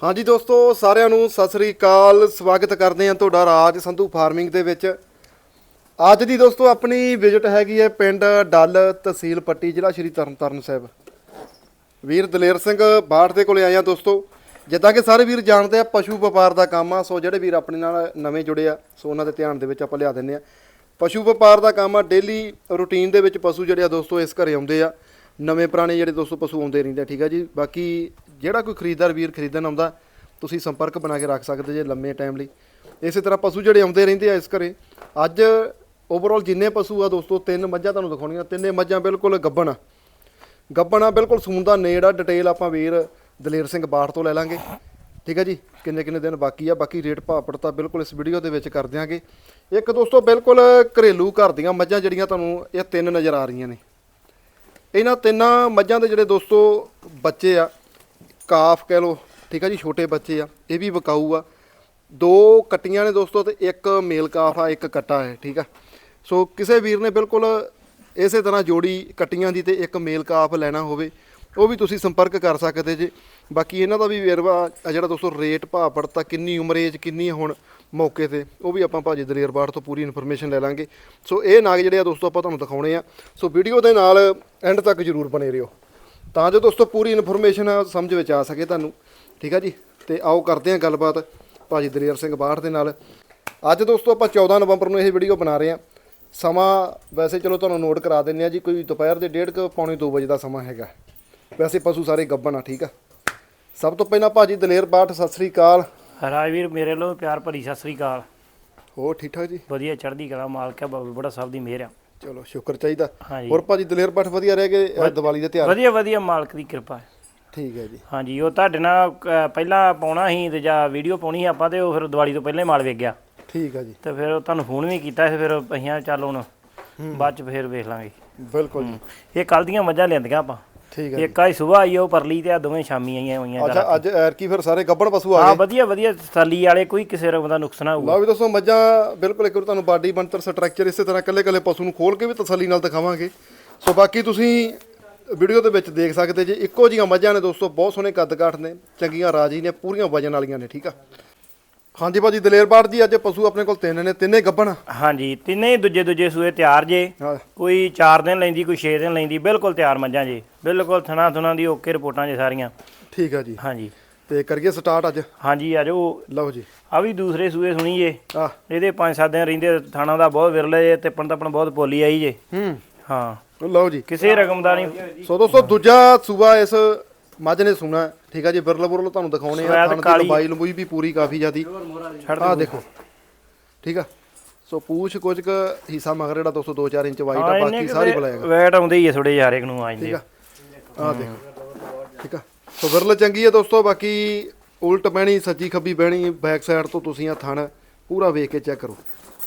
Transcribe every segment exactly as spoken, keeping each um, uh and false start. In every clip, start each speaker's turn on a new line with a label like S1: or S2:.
S1: हाँ जी दोस्तों सारिਆਂ ਨੂੰ ਸਤਿ ਸ੍ਰੀ ਅਕਾਲ ਸਵਾਗਤ ਕਰਦੇ ਹਾਂ ਤੁਹਾਡਾ ਰਾਜ ਸੰਧੂ ਫਾਰਮਿੰਗ ਦੇ ਵਿੱਚ। ਅੱਜ ਦੀ ਦੋਸਤੋ ਆਪਣੀ ਵਿਜ਼ਿਟ ਹੈਗੀ ਹੈ ਪਿੰਡ ਡੱਲ ਤਹਿਸੀਲ ਪੱਟੀ ਜ਼ਿਲ੍ਹਾ ਸ਼੍ਰੀ ਤਰਨਤਾਰਨ ਸਾਹਿਬ। ਵੀਰ ਦਲੇਰ ਸਿੰਘ ਬਾਠ ਦੇ ਕੋਲੇ ਆਏ ਆ ਦੋਸਤੋ। ਜਿੱਦਾਂ ਕਿ ਸਾਰੇ ਵੀਰ ਜਾਣਦੇ ਆ ਪਸ਼ੂ ਵਪਾਰ ਦਾ ਕੰਮ ਆ, ਸੋ ਜਿਹੜੇ ਵੀਰ ਆਪਣੇ ਨਾਲ ਨਵੇਂ ਜੁੜੇ ਆ ਸੋ ਉਹਨਾਂ ਦੇ ਧਿਆਨ ਦੇ ਵਿੱਚ ਆਪਾਂ ਲਿਆ ਦਿੰਦੇ ਆ। ਪਸ਼ੂ ਵਪਾਰ ਦਾ ਕੰਮ ਆ, ਡੇਲੀ ਰੂਟੀਨ ਦੇ ਵਿੱਚ ਪਸ਼ੂ ਜਿਹੜੇ ਆ ਦੋਸਤੋ ਇਸ ਘਰੇ ਆਉਂਦੇ ਆ। ਨਵੇਂ ਪੁਰਾਣੇ ਜਿਹੜੇ ਦੋਸਤੋ ਪਸ਼ੂ ਆਉਂਦੇ ਰਹਿੰਦੇ ਆ, ਠੀਕ ਆ ਜੀ। ਬਾਕੀ ਜਿਹੜਾ ਕੋਈ ਖਰੀਦਦਾਰ ਵੀਰ ਖਰੀਦਣ ਆਉਂਦਾ ਤੁਸੀਂ ਸੰਪਰਕ ਬਣਾ ਕੇ ਰੱਖ ਸਕਦੇ ਜੇ ਲੰਮੇ ਟਾਈਮ ਲਈ। ਇਸੇ ਤਰ੍ਹਾਂ ਪਸ਼ੂ ਜਿਹੜੇ ਆਉਂਦੇ ਰਹਿੰਦੇ ਆ ਇਸ ਘਰੇ। ਅੱਜ ਓਵਰਆਲ ਜਿੰਨੇ ਪਸ਼ੂ ਆ ਦੋਸਤੋ ਤਿੰਨ ਮੱਝਾਂ ਤੁਹਾਨੂੰ ਦਿਖਾਉਣੀਆਂ। ਤਿੰਨੇ ਮੱਝਾਂ ਬਿਲਕੁਲ ਗੱਭਣ ਆ ਗੱਭਣ ਆ ਬਿਲਕੁਲ ਸੂਣ ਦਾ ਨੇੜ ਆ। ਡਿਟੇਲ ਆਪਾਂ ਵੀਰ ਦਲੇਰ ਸਿੰਘ ਬਾਠ ਤੋਂ ਲੈ ਲਾਂਗੇ, ਠੀਕ ਹੈ ਜੀ। ਕਿੰਨੇ ਕਿੰਨੇ ਦਿਨ ਬਾਕੀ ਆ, ਬਾਕੀ ਰੇਟ ਭਾਅ ਤਾਂ ਬਿਲਕੁਲ ਇਸ ਵੀਡੀਓ ਦੇ ਵਿੱਚ ਕਰ ਦਿਆਂਗੇ। ਇੱਕ ਦੋਸਤੋ ਬਿਲਕੁਲ ਘਰੇਲੂ ਘਰ ਦੀਆਂ ਮੱਝਾਂ ਜਿਹੜੀਆਂ ਤੁਹਾਨੂੰ ਇਹ ਤਿੰਨ ਨਜ਼ਰ ਆ ਰਹੀਆਂ ਨੇ। ਇਹਨਾਂ ਤਿੰਨਾਂ ਮੱਝਾਂ ਦੇ ਜਿਹੜੇ ਦੋਸਤੋ ਬੱਚੇ ਆ ਕਾਫ ਕਹਿ ਲਓ, ਠੀਕ ਆ ਜੀ, ਛੋਟੇ ਬੱਚੇ ਆ। ਇਹ ਵੀ ਵਿਕਾਊ ਆ। ਦੋ ਕੱਟੀਆਂ ਨੇ ਦੋਸਤੋ ਤੇ ਇੱਕ ਮੇਲ ਕਾਫ ਆ, ਇੱਕ ਕੱਟਾ ਹੈ, ਠੀਕ ਆ। ਸੋ ਕਿਸੇ ਵੀਰ ਨੇ ਬਿਲਕੁਲ ਇਸੇ ਤਰ੍ਹਾਂ ਜੋੜੀ ਕੱਟੀਆਂ ਦੀ ਤੇ ਇੱਕ ਮੇਲ ਕਾਫ ਲੈਣਾ ਹੋਵੇ ਉਹ ਵੀ ਤੁਸੀਂ ਸੰਪਰਕ ਕਰ ਸਕਦੇ ਜੇ। ਬਾਕੀ ਇਹਨਾਂ ਦਾ ਵੀ ਵੇਰਵਾ ਜਿਹੜਾ ਦੋਸਤੋ ਰੇਟ ਭਾਅ ਪੜਤਾ, ਕਿੰਨੀ ਉਮਰ ਏਜ ਕਿੰਨੀ ਹੈ ਹੁਣ ਮੌਕੇ ਤੇ, ਉਹ ਵੀ ਆਪਾਂ ਭਾਜੀ ਦਲੇਰ ਬਾਠ ਤੋਂ ਪੂਰੀ ਇਨਫੋਰਮੇਸ਼ਨ ਲੈ ਲਾਂਗੇ। ਸੋ ਇਹ ਨਾਗ ਜਿਹੜੇ ਆ ਦੋਸਤੋ ਆਪਾਂ ਤੁਹਾਨੂੰ ਦਿਖਾਉਣੇ ਆ। ਸੋ ਵੀਡੀਓ ਦੇ ਨਾਲ ਐਂਡ ਤੱਕ ਜ਼ਰੂਰ ਬਣੇ ਰਹੋ ਤਾਂ ਜੋ ਦੋਸਤੋ ਪੂਰੀ ਇਨਫੋਰਮੇਸ਼ਨ ਸਮਝ ਵਿੱਚ ਆ ਸਕੇ ਤੁਹਾਨੂੰ, ਠੀਕ ਆ ਜੀ। ਤੇ ਆਓ ਕਰਦੇ ਹਾਂ ਗੱਲਬਾਤ ਭਾਜੀ ਦਲੇਰ ਸਿੰਘ ਬਾਠ ਦੇ ਨਾਲ। ਅੱਜ ਦੋਸਤੋ ਆਪਾਂ ਚੌਦਾਂ ਨਵੰਬਰ ਨੂੰ ਇਹ ਵੀਡੀਓ ਬਣਾ ਰਹੇ ਹਾਂ। ਸਮਾਂ ਵੈਸੇ ਚਲੋ ਤੁਹਾਨੂੰ ਨੋਟ ਕਰਾ ਦਿੰਦੇ ਆ ਜੀ, ਕੋਈ ਦੁਪਹਿਰ ਦੇ ਡੇਢ ਕੁ ਪੌਣੇ ਦੋ ਵਜੇ ਦਾ ਸਮਾਂ ਹੈਗਾ। ਵੈਸੇ ਪਸ਼ੂ ਸਾਰੇ ਗੱਭਣ ਆ, ਠੀਕ ਆ। ਸਭ ਤੋਂ ਪਹਿਲਾਂ ਭਾਜੀ ਦਲੇਰ ਬਾਠ ਸਤਿ ਸ੍ਰੀ ਅਕਾਲ।
S2: ਰਾਜਵੀਰ ਮੇਰੇ ਵੱਲੋਂ ਪਿਆਰ ਭਰੀ ਸਤਿ ਸ੍ਰੀ ਅਕਾਲ।
S1: ਹੋਰ ਠੀਕ ਠਾਕ ਜੀ?
S2: ਵਧੀਆ ਚੜ੍ਹਦੀ ਕਲਾ, ਮਾਲਕ ਹੈ ਬਾਬਾ ਬੜਾ ਸਭ ਦੀ ਮਿਹਰ ਆ।
S1: ਚਲੋ ਸ਼ੁਕਰ ਚਾਹੀਦਾ।
S2: ਹਾਂਜੀ
S1: ਹੋਰ ਭਾਜੀ ਦਲੇਰ ਬਾਠ ਵਧੀਆ ਰਹਿ ਗਏ ਦੀਵਾਲੀ ਦੇ ਤਿਉਹਾਰ?
S2: ਵਧੀਆ ਵਧੀਆ ਮਾਲਕ ਦੀ ਕਿਰਪਾ ਹੈ।
S1: ਠੀਕ ਹੈ ਜੀ।
S2: ਹਾਂਜੀ ਉਹ ਤੁਹਾਡੇ ਨਾਲ ਅ, ਪਹਿਲਾਂ ਪਾਉਣਾ ਸੀ ਤੇ ਜਾਂ ਵੀਡੀਓ ਪਾਉਣੀ ਸੀ ਆਪਾਂ, ਤੇ ਉਹ ਫਿਰ ਦੀਵਾਲੀ ਤੋਂ ਪਹਿਲਾਂ ਹੀ ਮਾਲ ਵੇਚ ਗਿਆ।
S1: ਠੀਕ ਹੈ ਜੀ।
S2: ਤੇ ਫਿਰ ਤੁਹਾਨੂੰ ਫੋਨ ਵੀ ਕੀਤਾ ਸੀ, ਫਿਰ ਅਸੀਂ ਚੱਲ ਹੁਣ ਬਾਅਦ ਚ ਫਿਰ ਵੇਖ ਲਾਂਗੇ।
S1: ਬਿਲਕੁਲ ਜੀ।
S2: ਇਹ ਕੱਲ ਦੀਆਂ ਮੱਝਾਂ ਲਿਆਂਦੀਆਂ ਆਪਾਂ।
S1: ਠੀਕ ਹੈ।
S2: ਇੱਕ ਆਈ ਸੁਬਾਹ ਆਈ ਉਹ ਪਰਲੀ ਤੇ ਆ ਦੋਵੇਂ ਸ਼ਾਮੀ ਆਈਆਂ ਹੋਈਆਂ।
S1: ਅੱਛਾ ਅੱਜ ਐਰਕੀ ਫਿਰ ਸਾਰੇ ਗੱਭਣ ਪਸ਼ੂ ਆ
S2: ਹਾਂ
S1: ਗਏ?
S2: ਵਧੀਆ ਵਧੀਆ ਤਸੱਲੀ ਵਾਲੇ, ਕੋਈ ਕਿਸੇ ਰਕਮ ਦਾ ਨੁਕਸ ਨਾ ਹੋਊਗਾ।
S1: ਲਓ ਵੀ ਦੋਸਤੋ ਮੱਝਾਂ ਬਿਲਕੁਲ ਇੱਕ ਵਾਰ ਤੁਹਾਨੂੰ ਬਾਡੀ ਬਣਤਰ ਸਟਰਕਚਰ ਇਸੇ ਤਰ੍ਹਾਂ ਇਕੱਲੇ ਇਕੱਲੇ ਪਸ਼ੂ ਨੂੰ ਖੋਲ ਕੇ ਵੀ ਤਸੱਲੀ ਨਾਲ ਦਿਖਾਵਾਂਗੇ। ਸੋ ਬਾਕੀ ਤੁਸੀਂ ਵੀਡੀਓ ਦੇ ਵਿੱਚ ਦੇਖ ਸਕਦੇ ਜੇ ਇੱਕੋ ਜਿਹੀਆਂ ਮੱਝਾਂ ਨੇ ਦੋਸਤੋ, ਬਹੁਤ ਸੋਹਣੇ ਕੱਦ ਕਾਠ ਨੇ, ਚੰਗੀਆਂ ਰਾਜੀ ਨੇ, ਪੂਰੀਆਂ ਵਜਨ ਵਾਲੀਆਂ ਨੇ, ਠੀਕ ਆ। ਹਾਂਜੀ ਭਾਜੀ ਦਲੇਰ ਬਾਠ ਜੀ ਅੱਜ ਪਸ਼ੂ ਆਪਣੇ ਕੋਲ ਤਿੰਨ ਨੇ, ਤਿੰਨੇ ਗੱਭਣ?
S2: ਹਾਂਜੀ ਤਿੰਨੇ ਹੀ ਦੂਜੇ ਦੂਜੇ ਸੂਏ ਤਿਆਰ ਜੇ।
S1: ਹਾਂ
S2: ਕੋਈ ਚਾਰ ਦਿਨ ਲੈਂਦੀ, ਕੋਈ ਛੇ ਦਿਨ ਲੈਂਦੀ, ਬਿਲਕੁਲ ਤਿਆਰ ਮੱਝਾਂ ਜੇ, ਬਿਲਕੁਲ ਥਣਾ ਥੁਣਾ ਦੀ ਓਕੇ ਰਿਪੋਰਟਾਂ ਜੇ ਸਾਰੀਆਂ।
S1: ਠੀਕ ਆ ਜੀ।
S2: ਹਾਂਜੀ
S1: ਤੇ ਕਰੀਏ ਸਟਾਰਟ ਅੱਜ?
S2: ਹਾਂਜੀ ਆ ਜਾਓ।
S1: ਲਓ ਜੀ
S2: ਆ ਵੀ ਦੂਸਰੇ ਸੂਏ ਸੁਣੀ ਜੇ।
S1: ਆ
S2: ਇਹਦੇ ਪੰਜ ਸੱਤ ਦਿਨ ਰਹਿੰਦੇ, ਥਾਣਾ ਦਾ ਬਹੁਤ ਵਿਰਲੇ ਜੇ, ਤਿੱਪਣ ਤੱਪਣ ਬਹੁਤ ਪੋਲੀ ਆਈ ਜੇ।
S1: ਹੂੰ
S2: ਹਾਂ
S1: ਲਓ ਜੀ।
S2: ਕਿਸੇ ਰਕਮ ਦਾ ਨਹੀਂ।
S1: ਸੋ ਦੋਸਤੋ ਦੂਜਾ ਸੂਆ ਇਸ ਮੱਝ ਨੇ ਸੁਣਾ, ਠੀਕ ਆ ਜੀ। ਬਿਰਲ ਬੁਰਲ ਤੁਹਾਨੂੰ ਦਿਖਾਉਣੇ ਆ। ਥਣ ਦੀ ਲੰਬਾਈ ਲੰਬੂਈ ਵੀ ਪੂਰੀ ਕਾਫੀ ਜ਼ਿਆਦੀ ਆ, ਦੇਖੋ, ਠੀਕ ਆ। ਸੋ ਪੂਛ ਕੁਝ ਕੁ ਹਿੱਸਾ ਮਗਰ ਜਿਹੜਾ ਦੋਸਤੋ ਦੋ ਚਾਰ ਇੰਚ ਵਾਈਟ ਆ, ਬਾਕੀ ਸਾਰੀ ਬਲੈਕ
S2: ਵੈਟ ਆਉਂਦੇ ਹੀ ਆ ਥੋੜੇ ਜਿਹੇ ਹਰੇਕ ਨੂੰ ਆ ਜਾਂਦੇ।
S1: ਠੀਕ ਆ ਆ ਦੇਖੋ, ਠੀਕ ਆ। ਸੋ ਬਿਰਲ ਚੰਗੀ ਆ ਦੋਸਤੋ। ਬਾਕੀ ਉਲਟ ਬਹਿਣੀ, ਸੱਜੀ ਖੱਬੀ ਬਹਿਣੀ, ਬੈਕ ਸਾਈਡ ਤੋਂ ਤੁਸੀਂ ਆ ਥਣ ਪੂਰਾ ਵੇਖ ਕੇ ਚੈੱਕ ਕਰੋ,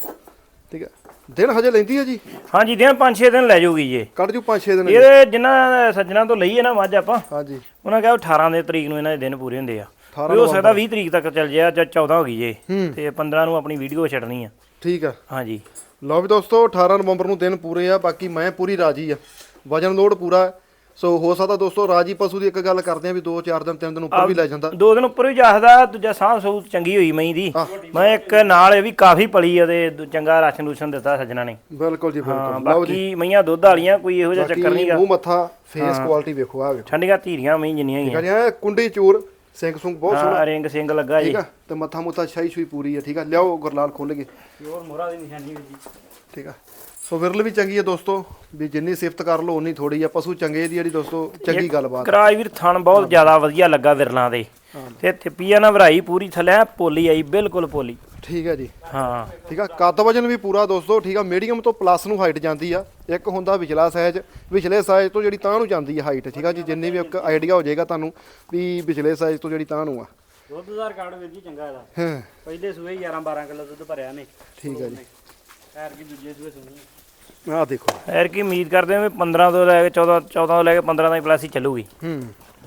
S1: ਠੀਕ ਆ। ਦਿਨ ਹਜੇ ਲੈਂਦੀ ਆ ਜੀ?
S2: ਹਾਂਜੀ ਦਿਨ ਪੰਜ ਛੇ ਦਿਨ ਲੈ ਜਾਊਗੀ ਜੀ।
S1: ਕੱਢ ਜੂ ਪੰਜ ਛੇ ਦਿਨ?
S2: ਇਹਦੇ ਜਿਨ੍ਹਾਂ ਸੱਜਣਾ ਤੋਂ ਲਈ ਹੈ ਨਾ ਮੱਝ ਆਪਾਂ,
S1: ਹਾਂਜੀ,
S2: ਉਹਨਾਂ ਕਿਹਾ ਅਠਾਰਾਂ ਦੇ ਤਰੀਕ ਨੂੰ ਇਹਨਾਂ ਦੇ ਦਿਨ ਪੂਰੇ ਹੁੰਦੇ ਆ। ਹੋ ਸਕਦਾ ਵੀਹ ਤਰੀਕ ਤੱਕ ਚੱਲ ਜਾਏ, ਜਾਂ ਚੌਦਾਂ ਹੋ ਗਈ ਜੇ, ਤੇ ਪੰਦਰਾਂ ਨੂੰ ਆਪਣੀ ਵੀਡੀਓ ਛੱਡਣੀ ਆ।
S1: ਠੀਕ ਆ।
S2: ਹਾਂਜੀ
S1: ਲਓ ਵੀ ਦੋਸਤੋ ਅਠਾਰਾਂ ਨਵੰਬਰ ਨੂੰ ਦਿਨ ਪੂਰੇ ਆ। ਬਾਕੀ ਮੈਂ ਪੂਰੀ ਰਾਜੀ ਆ, ਵਜਨ ਲੋਡ ਪੂਰਾ। ਸੋ ਹੋ ਸਕਦਾ ਦੋਸਤੋ ਰਾਜੀ ਪਸ਼ੂ ਦੀ ਇੱਕ ਗੱਲ ਕਰਦੇ ਆ ਵੀ ਦੋ ਚਾਰ ਦਿਨ ਤਿੰਨ ਦਿਨ ਉੱਪਰ ਵੀ ਲੈ ਜਾਂਦਾ,
S2: ਦੋ ਦਿਨ ਉੱਪਰ ਵੀ ਜਾਖਦਾ। ਦੂਜਾ ਸਾਹ ਸਹੂਤ ਚੰਗੀ ਹੋਈ ਮਈ ਦੀ। ਮੈਂ ਇੱਕ ਨਾਲ ਇਹ ਵੀ ਕਾਫੀ ਪਲੀ ਉਹਦੇ, ਚੰਗਾ ਰਾਸ਼ਨ ਰੂਸ਼ਨ ਦਿੱਤਾ ਸੱਜਣਾ ਨੇ।
S1: ਬਿਲਕੁਲ ਜੀ ਬਿਲਕੁਲ।
S2: ਬਾਕੀ ਮਈਆਂ ਦੁੱਧ ਵਾਲੀਆਂ, ਕੋਈ ਇਹੋ ਜਿਹਾ ਚੱਕਰ ਨਹੀਂਗਾ।
S1: ਮੂੰਹ ਮੱਥਾ ਫੇਸ ਕੁਆਲਿਟੀ ਵੇਖੋ, ਆ ਵੇਖੋ,
S2: ਠੰਡੀਆਂ ਧੀਰੀਆਂ ਮਈ ਜਿੰਨੀਆਂ ਹੀ
S1: ਆ। ਕੁੰਡੀ ਚੂਰ, ਸਿੰਘ ਸੁੰਗ ਬਹੁਤ ਸੋਹਣਾ,
S2: ਹਾਂ ਰਿੰਗ ਸਿੰਘ ਲੱਗਾ ਜੀ,
S1: ਠੀਕ ਆ। ਤੇ ਮੱਥਾ ਮੁੱਥਾ ਛਾਈ ਛੂਈ ਪੂਰੀ ਆ, ਠੀਕ ਆ। ਲਿਆਓ ਗੁਰਲਾਲ ਖੋਲ ਗਏ,
S2: ਹੋਰ ਮੋਹਰਾ ਦੀ ਨਿਸ਼ਾਨੀ ਜੀ,
S1: ਠੀਕ ਆ। ਸੋ ਵਿਰਲ ਵੀ ਚੰਗੀ ਆ ਦੋਸਤੋ, ਵੀ ਜਿੰਨੀ ਸਿਫਤ ਕਰ ਲਓ ਉਨੀ ਥੋੜੀ ਆ। ਪਸ਼ੂ ਚੰਗੇ ਦੀ ਜਿਹੜੀ ਦੋਸਤੋ ਚੰਗੀ ਗੱਲਬਾਤ।
S2: ਕਰਾਜ ਵੀਰ ਥਣ ਬਹੁਤ ਜ਼ਿਆਦਾ ਵਧੀਆ ਲੱਗਾ ਵਿਰਲਾਂ ਦੇ, ਤੇ ਥਿੱਪੀਆ ਨਾ ਭਰਾਈ ਪੂਰੀ ਥੱਲੇ ਪੋਲੀ ਆਈ, ਬਿਲਕੁਲ ਪੋਲੀ,
S1: ਠੀਕ ਹੈ ਜੀ।
S2: ਹਾਂ
S1: ਠੀਕ ਆ। ਕੱਦ ਵਜਨ ਵੀ ਪੂਰਾ ਦੋਸਤੋ, ਠੀਕ ਆ। ਮੀਡੀਅਮ ਤੋਂ ਪਲੱਸ ਨੂੰ ਹਾਈਟ ਜਾਂਦੀ ਆ। ਇੱਕ ਹੁੰਦਾ ਵਿਚਲਾ ਸਾਈਜ਼, ਵਿਚਲੇ ਸਾਈਜ਼ ਤੋਂ ਜਿਹੜੀ ਤਾਂ ਨੂੰ ਜਾਂਦੀ ਆ ਹਾਈਟ, ਠੀਕ ਆ ਜੀ। ਜਿੰਨੀ ਵੀ ਇੱਕ ਆਈਡੀਆ ਹੋ ਜਾਏਗਾ ਤੁਹਾਨੂੰ ਵੀ ਵਿਚਲੇ ਸਾਈਜ਼ ਤੋਂ ਜਿਹੜੀ ਤਾਂ ਨੂੰ ਆ।
S2: ਦੁੱਧ ਦਾ ਰਿਕਾਰਡ ਵੀਰ ਜੀ ਚੰਗਾ ਇਹਦਾ।
S1: ਹਾਂ
S2: ਪਹਿਲੇ ਸੂਏ ਗਿਆਰਾਂ ਬਾਰਾਂ ਕਿਲੋ ਦੁੱਧ ਭਰਿਆ ਨੇ।
S1: ਠੀਕ ਹੈ ਜੀ।
S2: ਐਰ ਕੀ ਦੂਜੇ ਸੂਏ ਸੁਣੀ
S1: ਆਹ ਦੇਖੋ,
S2: ਐਰ ਕੀ ਉਮੀਦ ਕਰਦੇ ਹਾਂ ਵੀ ਪੰਦਰਾਂ ਤੋਂ ਲੈ ਕੇ ਚੌਦਾਂ ਚੌਦਾਂ ਤੋਂ ਲੈ ਕੇ ਪੰਦਰਾਂ ਦਾ ਪਲੱਸ ਹੀ ਚੱਲੂਗੀ।
S1: ਹੂੰ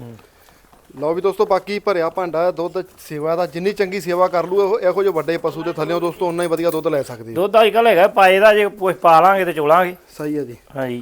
S1: ਲਓ ਵੀ ਦੋਸਤੋ ਬਾਕੀ ਭਰਿਆ ਭਾਂਡਾ ਦੁੱਧ ਸੇਵਾ ਦਾ, ਜਿੰਨੀ ਚੰਗੀ ਸੇਵਾ ਕਰ ਲੂ ਇਹੋ ਜਿਹੇ ਵੱਡੇ ਪਸ਼ੂ ਦੇ ਥੱਲੇ ਦੋਸਤੋ ਉਨਾ ਹੀ ਵਧੀਆ ਦੁੱਧ ਲੈ ਸਕਦੇ।
S2: ਦੁੱਧ ਅੱਜ ਕੱਲ੍ਹ ਹੈਗਾ ਪਾਏ ਦਾ, ਜੇ ਪੁੱਛ ਪਾ ਲਾਂਗੇ ਤੇ ਚੋਲਾਂਗੇ।
S1: ਸਹੀ ਹੈ ਜੀ।
S2: ਹਾਂਜੀ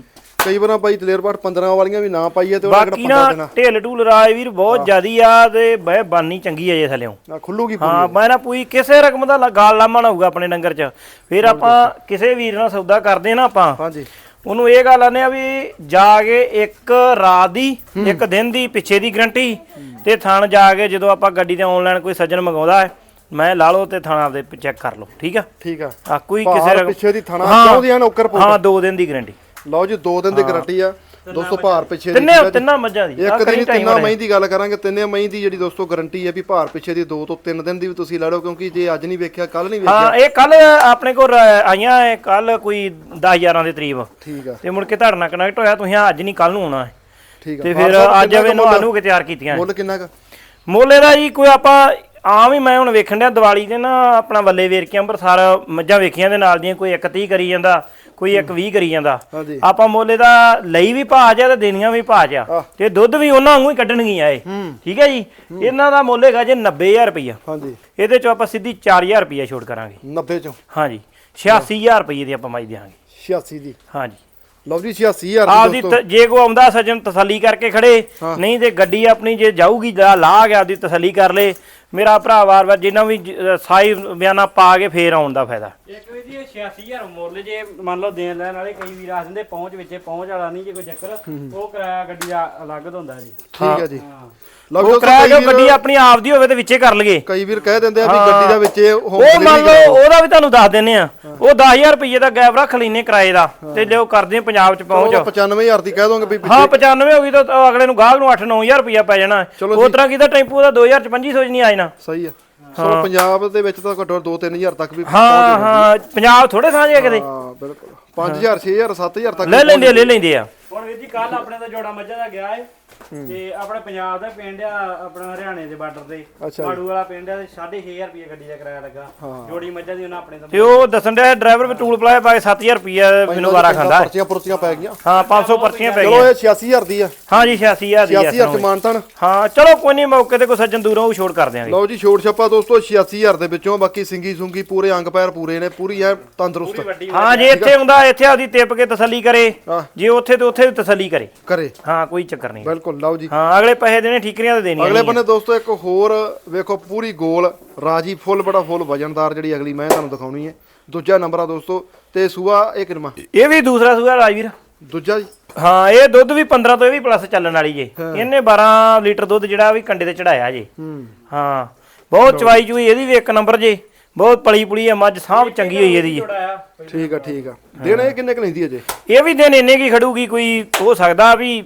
S1: ਕਈ ਵਾਰਾਂ ਬਾਈ ਦਲੇਰ ਪਾਠ ਪੰਦਰਾਂ ਵਾਲੀਆਂ ਵੀ ਨਾ ਪਾਈਏ ਤੇ ਉਹਨਾਂ
S2: ਬਾਕੀ
S1: ਕਿਹੜਾ ਪੰਦਰਾਂ
S2: ਨਾ
S1: ਦੇਣਾ
S2: ਢਿੱਲ ਢੂਲ ਰਾਜਵੀਰ ਬਹੁਤ ਜ਼ਿਆਦੀ ਆ ਤੇ ਬਹਿ ਬਾਨੀ ਚੰਗੀ ਆ ਜੇ ਥੱਲਿਓਂ
S1: ਨਾ ਖੁੱਲੂਗੀ
S2: ਹਾਂ ਮੈਂ ਨਾ ਪੂਰੀ ਕਿਸੇ ਰਕਮ ਦਾ ਲ- ਗਾਲ ਲਾਮਾ ਨਾ ਹੋਊਗਾ ਆਪਣੇ ਡੰਗਰ 'ਚ ਫਿਰ ਆਪਾਂ ਕਿਸੇ ਵੀਰ ਨਾਲ ਸੌਦਾ ਕਰਦੇ ਨਾ ਆਪਾਂ
S1: ਹਾਂਜੀ
S2: ਉਹਨੂੰ ਇਹ ਗੱਲ ਆਨੇ ਆ ਵੀ ਜਾ ਕੇ ਇੱਕ ਰਾਤ ਦੀ ਇੱਕ ਦਿਨ ਦੀ ਪਿੱਛੇ ਦੀ ਗਰੰਟੀ ਤੇ ਥਣ ਜਾ ਕੇ ਜਦੋਂ ਆਪਾਂ ਗੱਡੀ ਤੇ ਆਨਲਾਈਨ ਕੋਈ ਸੱਜਣ ਮੰਗਾਉਂਦਾ ਹੈ ਮੈਂ ਲਾ ਲਓ ਤੇ ਥਾਣਾ ਦੇ ਚੈੱਕ ਕਰ ਲਓ ਠੀਕ ਆ
S1: ਠੀਕ ਆ
S2: ਆ ਕੋਈ
S1: ਭਾਰ
S2: ਕਿਸੇ ਰਕਮ
S1: ਪਿੱਛੇ ਦੀ ਥਣਾ
S2: ਹਾਂ।
S1: ਚਾਹੁੰਦੀ ਆ ਨੌਕਰ ਪੋਟ
S2: ਹਾਂ ਦੋ ਦਿਨ ਦੀ ਗਰੰਟੀ
S1: ਲਓ ਜੀ ਦੋ ਦਿਨ ਦੀ ਗਾਰੰਟੀ ਆ ਦੋਸਤੋ ਭਾਰ ਪਿੱਛੇ ਦੀ
S2: ਤਿੰਨੇ ਤਿੰਨਾਂ ਮੱਝਾਂ ਦੀ
S1: ਇੱਕ ਦਿਨ ਤਿੰਨਾਂ ਮਹੀਂ ਦੀ ਗੱਲ ਕਰਾਂਗੇ ਤਿੰਨੇ ਮਹੀਂ ਦੀ ਜਿਹੜੀ ਦੋਸਤੋ ਗਾਰੰਟੀ ਹੈ ਵੀ ਭਾਰ ਪਿੱਛੇ ਦੀ ਦੋ ਤੋਂ ਤਿੰਨ ਦਿਨ ਦੀ ਵੀ ਤੁਸੀਂ ਲੈ ਲਓ ਕਿਉਂਕਿ ਜੇ ਅੱਜ ਨਹੀਂ ਵੇਖਿਆ ਕੱਲ ਨਹੀਂ ਵੇਖਿਆ
S2: ਹਾਂ ਇਹ ਕੱਲ ਆਪਣੇ ਕੋਲ ਆਈਆਂ ਕੱਲ ਕੋਈ ਦਸ ਗਿਆਰਾਂ ਦੇ ਕਰੀਬ
S1: ਠੀਕ ਆ
S2: ਤੇ ਮੁੜ ਕੇ ਤੁਹਾਡੇ ਨਾਲ ਕਨੈਕਟ ਹੋਇਆ ਤੁਸੀਂ ਅੱਜ ਨਹੀਂ ਕੱਲ ਨੂੰ ਆਉਣਾ ਹੈ
S1: ਠੀਕ ਆ
S2: ਤੇ ਫਿਰ ਅੱਜ ਆਵੇ ਨੂੰ ਆਨੂੰ ਕੇ ਤਿਆਰ ਕੀਤੀਆਂ
S1: ਮੁੱਲ ਕਿੰਨਾ ਕ
S2: ਮੋਲੇ ਦਾ ਜੀ ਕੋਈ ਆਪਾਂ ਆਮ ਹੀ ਮੈਂ ਹੁਣ ਵੇਖਣ ਡਿਆ ਦੀਵਾਲੀ ਤੇ ਨਾ ਆਪਣਾ ਵੱਲੇ ਵੇਰ ਕੇ ਅੰਮ੍ਰਿਤਸਰ ਮੱਝਾਂ ਵੇਖੀਆਂ ਦੇ ਨਾਲ ਦੀਆਂ ਕੋਈ ਇੱਕ ਤੀਹ ਕਰੀ ਜਾਂਦਾ ਕੋਈ ਇੱਕ ਵੀਹ ਕਰੀ ਜਾਂਦਾ
S1: ਹਾਂਜੀ
S2: ਆਪਾਂ ਮੋਲੇ ਦਾ ਲਈ ਵੀ ਭਾਜ ਆ ਤੇ ਦੇਣੀਆਂ ਵੀ ਭਾਜ ਆ ਤੇ ਦੁੱਧ ਵੀ ਉਹਨਾਂ ਵਾਂਗੂ ਹੀ ਕੱਢਣਗੀਆਂ ਇਹ ਠੀਕ ਹੈ ਜੀ ਇਹਨਾਂ ਦਾ ਮੁੱਲ ਹੈਗਾ ਜੇ ਨੱਬੇ ਹਜ਼ਾਰ ਰੁਪਈਆ
S1: ਹਾਂਜੀ
S2: ਇਹਦੇ ਚੋਂ ਆਪਾਂ ਸਿੱਧੀ ਚਾਰ ਹਜ਼ਾਰ ਰੁਪਈਆ ਛੋਟ ਕਰਾਂਗੇ
S1: ਨੱਬੇ ਚੋਂ
S2: ਹਾਂਜੀ ਛਿਆਸੀ ਹਜ਼ਾਰ ਰੁਪਈਏ ਦੀ ਆਪਾਂ ਮਾਈ ਦੇਵਾਂਗੇ
S1: ਛਿਆਸੀ ਦੀ
S2: ਹਾਂਜੀ
S1: ਲਓ ਜੀ ਛਿਆਸੀ ਹਜ਼ਾਰ
S2: ਆਪਦੀ ਤ- ਜੇ ਕੋ ਆਉਂਦਾ ਸੱਜਣ ਤਸੱਲੀ ਕਰਕੇ ਖੜੇ ਨਹੀਂ ਤੇ ਗੱਡੀ ਆਪਣੀ ਜੇ ਜਾਊਗੀ ਲਾ ਲਾ ਗਿਆ ਆਪਦੀ ਤਸੱਲੀ ਕਰ ਲੇ ਮੇਰਾ ਭਰਾ ਵਾਰ-ਵਾਰ ਜਿੰਨਾ ਵੀ ਜ- ਸਾਈ ਬਿਆਨਾ ਪਾ ਕੇ ਫੇਰ ਆਉਣ ਦਾ ਫਾਇਦਾ
S3: ਇੱਕ ਵੀ ਜੀ ਛਿਆਸੀ ਹਜ਼ਾਰ ਮੁੱਲ ਜੇ ਮੰਨ ਲਓ ਦੇਣ ਲੈਣ ਵਾਲੇ ਕਈ ਵੀਰ ਆ ਦਿੰਦੇ ਪਹੁੰਚ ਵਿੱਚੇ ਪਹੁੰਚ ਵਾਲਾ ਨਹੀਂ ਜੇ ਕੋਈ ਚੱਕਰ ਉਹ ਕਿਰਾਇਆ ਗੱਡੀ ਦਾ ਅਲੱਗ ਤੋਂ ਹੁੰਦਾ ਜੀ
S1: ਠੀਕ ਹੈ ਜੀ
S3: ਹਾਂ
S1: ਲਓ
S2: ਉਹ
S1: ਦੋਸਤੋ
S2: ਕਿਰਾਇਆ ਜੋ
S1: ਕਈ
S2: ਗੱਡੀ
S1: ਵੀਰ
S2: ਆਪਣੀ ਆਪਦੀ ਹੋਵੇ ਤੇ ਵਿੱਚੇ ਕਰ ਲਈਏ
S1: ਕਈ ਵੀਰ ਕਹਿ ਦਿੰਦੇ ਆ ਵੀ ਗੱਡੀ ਦਾ ਵਿੱਚ ਹੋਮ
S2: ਉਹ ਮੰਨ ਲਓ ਉਹਦਾ ਵੀ ਤੁਹਾਨੂੰ ਦੱਸ ਦਿੰਨੇ ਆ ਉਹ ਦਸ ਹਜ਼ਾਰ ਰੁਪਏ ਦਾ ਗੈਪ ਰੱਖ ਲੈਨੇ ਕਿਰਾਏ ਦਾ ਤੇ ਲਿਓ ਕਰਦੇ ਆ ਪੰਜਾਬ ਚ ਪਹੁੰਚ
S1: ਪਚਾਨਵੇਂ ਹਜ਼ਾਰ ਦੀ ਕਹਿ ਦੋਗੇ ਵੀ
S2: ਹਾਂ ਪਚਾਨਵੇਂ ਹੋ ਗਈ ਤਾਂ ਤਾਂ ਅਗਲੇ ਨੂੰ ਗਾਹਕ ਨੂੰ ਅੱਠ ਨੌ ਹਜ਼ਾਰ ਰੁਪਇਆ ਪੈ ਜਾਣਾ ਉਹ ਤਰ੍ਹਾਂ ਕੀਤਾ ਟੈਂਪੂ ਦਾ ਦੋ ਹਜ਼ਾਰ ਚ ਪੰਜੀ ਸੌ ਚ ਨਹੀਂ ਆ ਜਾਣਾ
S1: ਸਹੀ ਆ ਸੋ ਪੰਜਾਬ ਦੇ ਵਿੱਚ ਤਾਂ ਘੱਟੋ ਦੋ ਤਿੰਨ ਹਜ਼ਾਰ ਤੱਕ ਵੀ
S2: ਹਾਂ ਹਾਂ ਪੰਜਾਬ ਥੋੜੇ ਸਾਂਝੇ ਕਿਤੇ
S1: ਹਾਂ ਬਿਲਕੁਲ ਪੰਜ ਹਜ਼ਾਰ ਛੇ ਹਜ਼ਾਰ ਸੱਤ ਹਜ਼ਾਰ ਤੱਕ
S2: ਲੈ ਲੈਂਦੇ ਆ ਲੈ ਲੈਂਦੇ ਆ
S3: ਹੁਣ ਵੀਰ ਜੀ ਕੱਲ ਆਪਣੇ ਦਾ ਜੋੜਾ ਮੱਝਾਂ ਦਾ ਗਿਆ ਏ ਤੇ ਆਪਣੇ ਪੰਜਾਬ ਦਾ ਪਿੰਡ ਆ ਆਪਣਾ ਹਰਿਆਣੇ ਦੇ ਬਾਰਡਰ ਤੇ
S1: ਅੱਛਾ
S3: ਮਾੜੂ ਵਾਲਾ ਪਿੰਡ ਆ ਤੇ ਸਾਢੇ ਛੇ ਹਜ਼ਾਰ ਰੁਪਏ ਗੱਡੀ ਦਾ ਕਿਰਾਇਆ ਲੱਗਾ ਜੋੜੀ ਮੱਝਾਂ ਦੀ ਉਹਨਾਂ ਆਪਣੇ ਤੋਂ
S2: ਤੇ ਉਹ ਦੱਸਣ ਡਿਆ ਡਰਾਈਵਰ ਵੀ ਟੂਲ ਪਲਾਏ ਪਾ ਕੇ ਸੱਤ ਹਜ਼ਾਰ ਰੁਪਇਆ ਮੈਨੂੰ ਵਾਰਾ ਖਾਂਦਾ
S1: ਪਰਚੀਆਂ ਪੁਰਚੀਆਂ ਪੈ ਗਈਆਂ
S2: ਹਾਂ ਪੰਜ ਸੌ ਪਰਚੀਆਂ ਪੈ
S1: ਚਲੋ
S2: ਗਈਆਂ
S1: ਇਹ ਛਿਆਸੀ ਹਜ਼ਾਰ ਦੀ ਆ
S2: ਹਾਂ ਜੀ ਛਿਆਸੀ ਹਜ਼ਾਰ ਦੀ
S1: ਛਿਆਸੀ ਹਜ਼ਾਰ
S2: ਆ
S1: ਚ ਮਾਨਤਨ
S2: ਹਾਂ ਚਲੋ ਕੋਈ ਨਹੀਂ ਮੌਕੇ ਤੇ ਕੋਈ ਸੱਜਣ ਦੂਰੋਂ ਉਹ ਛੋੜ ਕਰ ਦਿਆਂਗੇ
S1: ਲਓ ਜੀ ਛੋਟ ਛੱਪਾ ਦੋਸਤੋ ਛਿਆਸੀ ਹਜ਼ਾਰ ਦੇ ਵਿੱਚੋਂ ਬਾਕੀ ਸਿੰਗੀ ਸੁੰਗੀ ਪੂਰੇ ਅੰਗ ਪੈਰ ਪੂਰੇ ਨੇ ਪੂਰੀ ਐ ਤੰਦਰੁਸਤ
S2: ਹਾਂ ਜੇ ਇੱਥੇ ਹੁੰਦਾ ਇੱਥੇ ਆਪਦੀ ਟਿੱਪ ਕੇ ਤਸੱਲੀ ਕਰੇ
S1: ਹਾਂ।
S2: ਜੇ ਉੱਥੇ ਤੇ ਉੱਥੇ ਵੀ ਤਸੱਲੀ ਕਰੇ
S1: ਕਰੇ
S2: ਹਾਂ ਕੋਈ ਚੱਕਰ ਨਹੀਂ
S1: ਬਿਲਕੁਲ ਲਓ ਜੀ
S2: ਹਾਂ ਅਗਲੇ ਪੈਸੇ ਦੇਣੇ ਠੀਕਰੀਆਂ ਤੇ ਦੇਣੀਆਂ
S1: ਅਗਲੇ
S2: ਨਹੀਂ
S1: ਬੰਨੇ ਦੋਸਤੋ ਇੱਕ ਹੋਰ ਵੇਖੋ ਪੂਰੀ ਗੋਲ ਰਾਜੀ ਫੁੱਲ ਬੜਾ ਫੁੱਲ ਵਜਨਦਾਰ ਜਿਹੜੀ ਅਗਲੀ ਮੈਂ ਤੁਹਾਨੂੰ ਦਿਖਾਉਣੀ ਹੈ ਦੂਜਾ ਨੰਬਰ ਆ ਦੋਸਤੋ ਤੇ ਸੂਆ ਇਹ ਕਿਰਮਾ
S2: ਇਹ ਵੀ ਦੂਸਰਾ ਸੂਆ ਰਾਜਵੀਰ
S1: ਦੂਜਾ ਜੀ
S2: ਹਾਂ ਇਹ ਦੁੱਧ ਵੀ ਪੰਦਰਾਂ ਤੋਂ ਇਹ ਵੀ ਪਲੱਸ ਚੱਲਣ ਵਾਲੀ ਜੇ ਇਹਨੇ ਬਾਰਾਂ ਲੀਟਰ ਦੁੱਧ ਜਿਹੜਾ ਵੀ ਕੰਡੇ ਤੇ ਚੜਾਇਆ ਜੇ
S1: ਹੂੰ
S2: ਹਾਂ ਬਹੁਤ ਚਵਾਈ ਚੂਈ ਇਹਦੀ ਵੀ ਇੱਕ ਨੰਬਰ ਜੇ ਬਹੁਤ ਪਲੀ ਪੁਲੀ ਹੈ ਮੱਝ ਸਾਂਭ ਚੰਗੀ ਹੋਈ ਇਹਦੀ
S1: ਠੀਕ ਆ ਠੀਕ ਆ ਦਿਨ ਇਹ ਕਿੰਨੇ ਕ ਲੈਂਦੀ ਅਜੇ
S2: ਇਹ ਵੀ ਦਿਨ ਇੰਨੇ ਕੀ ਖੜੂਗੀ ਕੋਈ ਹੋ ਸਕਦਾ ਵੀ